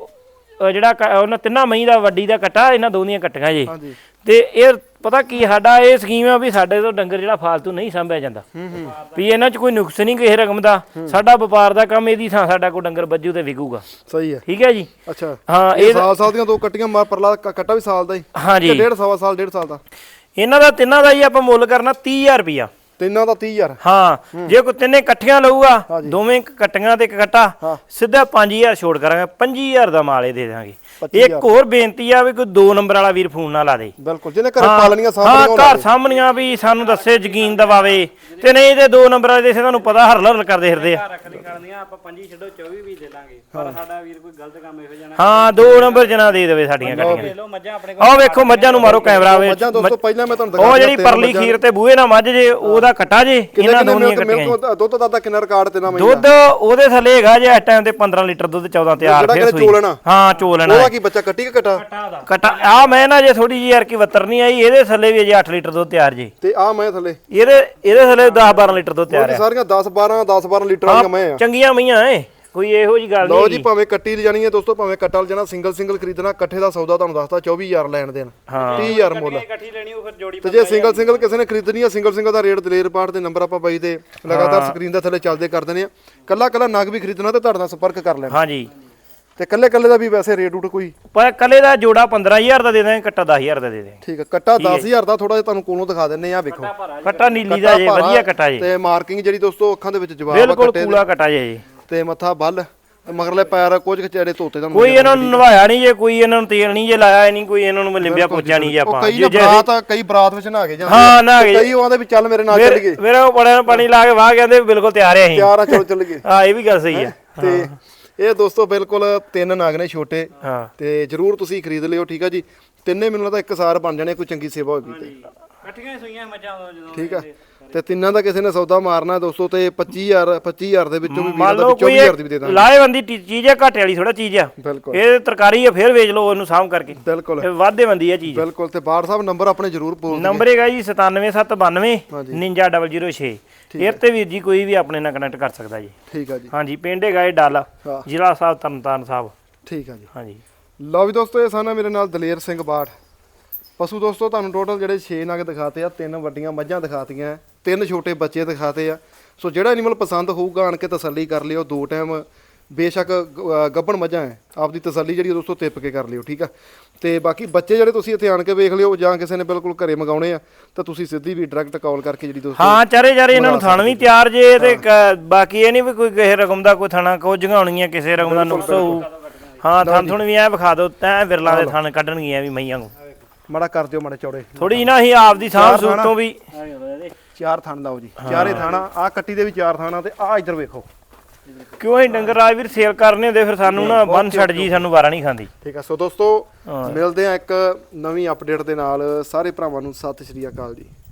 S2: ਉਹ ਜਿਹੜਾ ਕ- ਉਹਨਾਂ ਤਿੰਨਾਂ ਮਈ ਦਾ ਵੱਡੀ ਦਾ ਕੱਟਾ ਇਹਨਾਂ ਦੋਨੀਆਂ ਕੱਟੀਆਂ ਜੇ
S1: ਹਾਂਜੀ
S2: ਤੇ ਇਹ ਪਤਾ ਕੀ ਸਾਡਾ ਇਹ ਸਕੀਮ ਆ ਵੀ ਸਾਡੇ ਤੋਂ ਡੰਗਰ ਜਿਹੜਾ ਫਾਲਤੂ ਨਹੀਂ ਸੰਭਿਆ ਜਾਂਦਾ ਵੀ ਇਹਨਾਂ 'ਚ ਕੋਈ ਨੁਕਸ ਨਹੀਂ ਕਿਸੇ ਰਕਮ ਦਾ। ਸਾਡਾ ਵਪਾਰ ਦਾ ਕੰਮ ਇਹਦੀ ਥਾਂ ਸਾਡਾ ਕੋਈ ਡੰਗਰ ਵੱਜੂ ਤੇ ਵਿਕੂਗਾ।
S1: ਸਹੀ ਹੈ
S2: ਠੀਕ ਹੈ ਜੀ।
S1: ਅੱਛਾ
S2: ਹਾਂ
S1: ਇਹ
S2: ਇਹ
S1: ਸਾਲ ਸਾਲ ਦੀਆਂ ਦੋ ਕੱਟੀਆਂ ਮਾਰ ਪਰਲਾ ਕ- ਕੱਟਾ ਵੀ ਸਾਲ ਦਾ ਹੀ
S2: ਹਾਂਜੀ
S1: ਤੇ ਡੇਢ ਸਵਾ ਸਾਲ ਡੇਢ ਸਾਲ ਦਾ।
S2: ਇਹਨਾਂ ਦਾ ਤਿੰਨਾਂ ਦਾ ਹੀ ਆਪਾਂ ਮੁੱਲ ਕਰਨਾ ਤੀਹ ਹਜ਼ਾਰ ਰੁਪਈਆ।
S1: ਤਿੰਨਾਂ ਦਾ ਤੀਹ ਹਜ਼ਾਰ।
S2: ਹਾਂ ਜੇ ਕੋਈ ਤਿੰਨੇ ਇਕੱਠੀਆਂ ਲਊਗਾ ਦੋਵੇਂ ਕੱਟੀਆਂ ਤੇ ਇੱਕ ਕੱਟਾ ਸਿੱਧਾ ਪੰਜ ਹਜ਼ਾਰ ਛੋੜ ਕਰਾਂਗੇ ਪੰਜੀ ਹਜ਼ਾਰ ਦਾ ਮਾਲ ਇਹ ਦੇ ਦਾਂਗੇ। ਇੱਕ ਹੋਰ ਬੇਨਤੀ ਆ ਵੀ ਕੋਈ ਦੋ ਨੰਬਰ ਵਾਲਾ ਵੀਰ ਫੋਨ ਨਾ ਲਾ ਦੇ।
S1: ਬਿਲਕੁਲ ਜਿਹਨੇ ਘਰੇ ਪਾਲਣੀਆਂ
S2: ਹਾਂ
S1: ਸਾਹਮਣੇ
S2: ਘਰ ਸਾਹਮਣੀਆਂ ਵੀ ਸਾਨੂੰ ਦੱਸੇ ਯਕੀਨ ਦਵਾਵੇ ਤੇ ਨਹੀਂ ਤੇ ਦੋ ਨੰਬਰ ਵਾਲੇ ਦੇ ਤੁਹਾਨੂੰ ਪਤਾ ਹਰਲ ਹਰਲ ਕਰਦੇ ਫਿਰਦੇ ਆ।
S3: ਰੱਖ ਲਈ ਕਰਨੀਆਂ ਆਪਾਂ ਪੰਜੀ ਛੱਡੋ ਚੌਵੀ ਵੀ ਦੇ ਲਾਂਗੇ ਪਰ ਸਾਡਾ ਵੀਰ ਕੋਈ ਗਲਤ ਕੰਮ ਇਹੋ ਜਿਹਾ ਨਾ
S2: ਹਾਂ ਦੋ ਨੰਬਰ ਜਨਾ ਦੇ ਦੇਵੇ ਸਾਡੀਆਂ
S3: ਦੇ
S2: ਕੱਟੀਆਂ।
S3: ਲਓ ਮੱਝਾਂ ਆਪਣੇ ਕੋਲ
S2: ਆਹ ਵੇਖੋ ਮੱਝਾਂ ਨੂੰ ਮਾਰੋ ਕੈਮਰਾ ਵਿੱਚ।
S1: ਮੱਝਾਂ ਦੋਸਤੋ ਪਹਿਲਾਂ ਮੈਂ ਤੁਹਾਨੂੰ ਦਿਖਾ
S2: ਉਹ ਜਿਹੜੀ ਪਰਲੀ ਖੀਰ ਤੇ ਬੂਹੇ ਨਾਲ ਮੱਝ ਜੇ ਉਹਦਾ ਕੱਟਾ ਜੇ ਇਹਨਾਂ ਦੋਨੀਆਂ ਕੱਟੀਆਂ।
S1: ਦੁੱਧ ਦਾ ਕਿੰਨਾ ਰਿਕਾਰਡ ਤੇ ਨਾ ਮੈਂ
S2: ਦੁੱਧ ਉਹਦੇ ਥੱਲੇ ਹੈਗਾ ਜੇ ਇਸ ਟਾਈਮ ਤੇ ਪੰਦਰਾਂ ਲੀਟਰ ਦੁੱਧ ਚੌਦਾਂ ਤਿਆਰ
S1: ਜਿਹੜਾ
S2: ਫੇਰ
S1: ਕਿਤੇ
S2: ਸੂਈ।
S1: ਚੋਲਣਾ
S2: ਹਾਂ ਚੋਲਣਾ
S1: ਉਹਦਾ ਕੀ ਬੱਚਾ ਕੱਟੀ ਕਿ ਕਟਾ
S2: ਕੱਟਾ ਆ ਮੈਂ ਨਾ ਜੇ ਥੋੜੀ ਜਿਹੀ ਯਾਰ ਕੀ ਵੱਤਰ ਨਹੀਂ ਆਈ ਇਹਦੇ ਥੱਲੇ ਵੀ ਅਜੇ ਅੱਠ ਲੀਟਰ ਦੁੱਧ ਤਿਆਰ ਜੇ
S1: ਤੇ ਆ ਮੈਂ ਥੱਲੇ
S2: ਇਹਦੇ ਇਹਦੇ ਥੱਲੇ ਦਸ ਬਾਰਾਂ ਲੀਟਰ ਦੁੱਧ ਤਿਆਰ
S1: ਇਹ
S2: ਹੈ।
S1: ਸਾਰੀਆਂ ਦਸ ਬਾਰਾਂ ਦਸ ਬਾਰਾਂ ਲੀਟਰ ਵਾਲੀਆਂ ਮੈਂ ਆ।
S2: ਚੰਗੀਆਂ ਮਈਆਂ ਐ ਕੋਈ ਇਹੋ ਜੀ ਗੱਲ
S1: ਲਓ
S2: ਨਹੀਂ।
S1: ਜੀ ਭਾਵੇਂ ਕੱਟੀ ਲਿਜਾਣੀ ਹੈ ਦੋਸਤੋ ਭਾਵੇਂ ਕੱਟਾ ਲਿਜਾਣਾ ਸਿੰਗਲ ਸਿੰਗਲ ਖਰੀਦਣਾ ਇਕੱਠੇ ਦਾ ਸੌਦਾ ਤੁਹਾਨੂੰ ਦੱਸਤਾ ਚੌਵੀ ਹਜ਼ਾਰ ਲੈਣ ਦੇਣ ਤੀਹ ਹਜ਼ਾਰ ਮੁੱਲ।
S3: ਇਕੱਠੀ ਲੈਣੀ ਉਹ ਫਿਰ ਜੋੜੀ
S1: ਤੇ ਜੇ ਸਿੰਗਲ ਸਿੰਗਲ ਕਿਸੇ ਨੇ ਖਰੀਦਣੀ ਆ ਸਿੰਗਲ ਸਿੰਗਲ ਦਾ ਰੇਟ ਦਲੇਰ ਪਾਠ ਦੇ ਨੰਬਰ ਆਪਾਂ ਬਾਈ ਦੇ ਲਗਾਤਾਰ ਸਕਰੀਨ ਦੇ ਥੱਲੇ ਚੱਲਦੇ ਕਰ ਦਿੰਦੇ ਆ। ਕੱਲਾ ਕੱਲਾ ਨਗ ਵੀ ਖਰੀਦਣਾ ਤੇ ਤੁਹਾਡੇ ਨਾਲ ਸੰਪਰਕ ਕਰ ਲੈਣਾ।
S2: ਹਾਂਜੀ
S1: ਤੇ ਕੱਲੇ ਕੱਲੇ ਦਾ ਵੀ ਵੈਸੇ ਰੇਟ ਉਟ ਕੋਈ
S2: ਪਰ ਕੱਲੇ ਦਾ ਜੋੜਾ ਪੰਦਰਾਂ ਹਜ਼ਾਰ ਦਾ ਦੇ ਦਾਂਗੇ ਕੱਟਾ ਦਸ ਹਜ਼ਾਰ ਦਾ ਦੇ ਦੇ।
S1: ਠੀਕ ਹੈ ਕੱਟਾ ਦਸ ਹਜ਼ਾਰ ਦਾ ਥੋੜਾ ਜਿਹਾ ਤੁਹਾਨੂੰ ਕੋਲੋਂ ਦਿਖਾ ਦਿੰਨੇ ਆ ਵੇਖੋ
S2: ਕੱਟਾ ਨੀਲੀ ਦਾ ਜੇ ਵਧੀਆ ਕੱਟਾ ਜੇ
S1: ਤੇ ਮਾਰਕਿੰਗ ਜਿਹੜੀ ਦੋਸਤੋ ਅੱਖਾਂ ਦੇ ਵਿੱਚ ਜਵਾਬ ਆ
S2: ਬਿਲਕੁਲ
S1: ਕੱਟੇ
S2: ਕੂਲਾ ਕੱਟਾ ਜੇ ਜੀ।
S1: ਤੇ ਮੱਥਾ ਬੱਲ ਤੇ ਮਗਰਲੇ ਪੈਰ ਕੁਝ ਚਿਹਰੇ ਧੋਤੇ ਤੁਹਾਨੂੰ
S2: ਕੋਈ ਇਹਨਾਂ ਨੂੰ ਨਵਾਇਆ ਨਹੀਂ ਜੇ ਕੋਈ ਇਹਨਾਂ ਨੂੰ ਤੇਲ ਨਹੀਂ ਜੇ ਲਾਇਆ ਨਹੀਂ ਕੋਈ ਇਹਨਾਂ ਨੂੰ ਲਿੰਬਿਆ ਪੋਚਾ ਨਹੀਂ ਜੇ
S1: ਉਹ
S2: ਆਪਾਂ
S1: ਕਈ ਨਾ ਬਰਾਤ ਆ ਕਈ ਬਰਾਤ ਵਿੱਚ ਨਹਾ ਕੇ ਜਾਂਦੇ
S2: ਹਾਂ ਨਹਾ ਕੇ
S1: ਕਈ ਉਹਦੇ ਵੀ ਚੱਲ ਮੇਰੇ ਨਾਲ ਚੱਲ ਗਏ
S2: ਮੇਰੇ ਬੜੇ ਪਾਣੀ ਲਾ ਕੇ ਵਾਹ ਕਹਿੰਦੇ ਬਿਲਕੁਲ ਤਿਆਰ ਆ ਅਸੀਂ
S1: ਤਿਆਰ ਆ ਚਲੋ ਚੱਲ ਗਏ।
S2: ਹਾਂ ਇਹ ਵੀ ਗੱਲ ਸਹੀ ਆ।
S1: ਤੇ ਇਹ ਦੋਸਤੋ ਬਿਲਕੁਲ ਤਿੰਨ ਨਾਗ ਨੇ ਛੋਟੇ
S2: ਹਾਂ
S1: ਤੇ ਜਰੂਰ ਤੁਸੀਂ ਖਰੀਦ ਲਿਓ ਠੀਕ ਆ ਜੀ। ਤਿੰਨੇ ਮੈਨੂੰ ਲੱਗਦਾ ਇੱਕ ਸਾਰ ਬਣ ਜਾਣੇ ਕੋਈ ਚੰਗੀ ਸੇਵਾ ਹੋਗੀ ਤੇ
S3: ਇਕੱਠੀਆਂ ਸੂਈਆਂ ਮੱਝਾਂ ਉਦੋਂ ਜਦੋਂ
S1: ਠੀਕ ਆ। ਤੇ ਤਿੰਨਾਂ ਦਾ ਕਿਸੇ ਨੇ ਸੌਦਾ ਮਾਰਨਾ ਦੋਸਤੋ ਤੇ ਪੱਚੀ ਹਜ਼ਾਰ ਪੱਚੀ ਹਜ਼ਾਰ ਦੇ ਵਿੱਚੋਂ ਵੀ ਵੀਰ
S2: ਮੰਨ
S1: ਦਾ
S2: ਲਓ
S1: ਚੌਵੀ
S2: ਕੋਈ
S1: ਹਜ਼ਾਰ ਦੀ ਵੀ ਦੇ ਦਾਂਗੇ।
S2: ਲਾਹੇਵੰਦੀ ਟੀ- ਚੀਜ਼ ਆ ਘਾਟੇ ਵਾਲੀ ਥੋੜਾ ਚੀਜ਼ ਆ।
S1: ਬਿਲਕੁਲ
S2: ਇਹ ਤਰਕਾਰੀ ਆ ਫੇਰ ਵੇਚ ਲਓ ਉਹਨੂੰ ਸਾਂਭ ਕਰਕੇ
S1: ਬਿਲਕੁਲ
S2: ਇਹ ਵਾਧੇ ਬੰਦੀ ਆ ਚੀਜ਼।
S1: ਬਿਲਕੁਲ ਤੇ ਬਾੜ ਸਾਹਿਬ ਨੰਬਰ ਆਪਣੇ ਜਰੂਰ ਬੋਲ ਦਿਓ।
S2: ਨੰਬਰ ਹੈਗਾ ਜੀ ਸਤਾਨਵੇਂ ਸੱਤ ਬਾਨਵੇਂ
S1: ਹਾਂਜੀ।
S2: ਉਣੰਜਾ ਜ਼ੀਰੋ ਜ਼ੀਰੋ ਛੇ। ਇਹ ਤੇ ਵੀਰ ਜੀ ਕੋਈ ਵੀ ਆਪਣੇ ਨਾਲ ਕਨੈਕਟ ਕਰ ਸਕਦਾ ਜੀ।
S1: ਠੀਕ ਆ ਜੀ
S2: ਹਾਂਜੀ ਪਿੰਡ ਹੈਗਾ ਇਹ ਡੱਲ
S1: ਹਾਂ।
S2: ਜ਼ਿਲ੍ਹਾ ਸਾਹਿਬ ਤਰਨਤਾਰਨ ਸਾਹਿਬ।
S1: ਠੀਕ ਆ ਜੀ।
S2: ਹਾਂਜੀ
S1: ਲਓ ਵੀ ਦੋਸਤੋ ਇਹ ਸਾਨਾ ਮੇਰੇ ਨਾਲ ਦਲੇਰ ਸਿੰਘ ਬਾੜ ਪਸ਼ੂ ਦੋਸਤੋ ਤੁਹਾਨੂੰ ਟੋਟਲ ਜਿਹੜੇ ਛੇ ਨਗ ਦਿਖਾਤੇ ਆ ਤਿੰਨ ਵੱਡੀਆਂ ਮੱਝਾਂ ਦਿਖਾਤੀਆਂ ਤਿੰਨ ਛੋਟੇ ਬੱਚੇ ਦਿਖਾਤੇ ਆ। ਸੋ ਜਿਹੜਾ ਐਨੀਮਲ ਪਸੰਦ ਹੋਊਗਾ ਆਣ ਕੇ ਤਸੱਲੀ ਕਰ ਲਿਓ ਦੋ ਟਾਈਮ ਬੇਸ਼ੱਕ ਗ- ਗੱਭਣ ਮੱਝਾਂ ਹੈ ਆਪਦੀ ਤਸੱਲੀ ਜਿਹੜੀ ਦੋਸਤੋ ਤਿੱਪ ਕੇ ਕਰ ਲਿਓ ਠੀਕ ਆ। ਤੇ ਬਾਕੀ ਬੱਚੇ ਜਿਹੜੇ ਤੁਸੀਂ ਇੱਥੇ ਆਣ ਕੇ ਵੇਖ ਲਿਓ ਜਾਂ ਕਿਸੇ ਨੇ ਬਿਲਕੁਲ ਘਰੇ ਮੰਗਾਉਣੇ ਆ ਤਾਂ ਤੁਸੀਂ ਸਿੱਧੀ ਵੀ ਡਾਇਰੈਕਟ ਕਾਲ ਕਰਕੇ ਜਿਹੜੀ ਦੋਸਤੋ
S2: ਹਾਂ ਚਾਰੇ ਚਾਰੇ ਇਹਨਾਂ ਨੂੰ ਥਣ ਵੀ ਤਿਆਰ ਜੇ ਤੇ ਕ- ਬਾਕੀ ਇਹ ਨਹੀਂ ਵੀ ਕੋਈ ਕਿਸੇ ਰਕਮ ਦਾ ਕੋਈ ਥਣਾ ਕੋ ਜਗਾਉਣੀਆਂ ਕਿਸੇ ਰਕਮ ਦਾ ਨੁਕਸ ਹੋਊ। ਹਾਂ ਥਣ ਥੁਣ ਵੀ ਐ ਵਿਖਾ ਦਿਓ ਤੈਂ ਵਿਰਲਾ ਦੇ ਥਣ ਕੱਢਣਗੀਆਂ ਵੀ ਮਈਆਂ ਨੂੰ
S1: ਮਾੜਾ ਕਰ ਦਿਓ ਮਾੜੇ ਚੌੜੇ
S2: ਥੋੜੀ ਨਾ ਅਸੀਂ ਆਪਦੀ ਸਾਂਭ ਸੂਤ ਤੋਂ ਵੀ
S1: ਚਾਰ ਥਣ ਲਾਓ ਜੀ ਚਾਰੇ ਥਾਣਾ ਆ ਕੱਟੀ ਦੇ ਵੀ ਚਾਰ ਥਾਣਾ ਤੇ ਆ ਇੱਧਰ ਵੇਖੋ
S2: ਕਿਉਂ ਅਸੀਂ ਡੰਗਰ ਰਾਜਵੀਰ ਸੇਲ ਕਰਨੇ ਹੁੰਦੇ ਫਿਰ ਸਾਨੂੰ ਨਾ ਬੰਨ ਛੱਡ ਜੀ ਸਾਨੂੰ ਵਾਰਾ ਨਹੀਂ ਖਾਂਦੀ।
S1: ਠੀਕ ਆ। ਸੋ ਦੋਸਤੋ ਮਿਲਦੇ ਆ ਇੱਕ ਨਵੀਂ ਅਪਡੇਟ ਦੇ ਨਾਲ ਸਾਰੇ ਭਰਾਵਾਂ ਨੂੰ ਸਤਿ ਸ਼੍ਰੀ ਅਕਾਲ ਜੀ।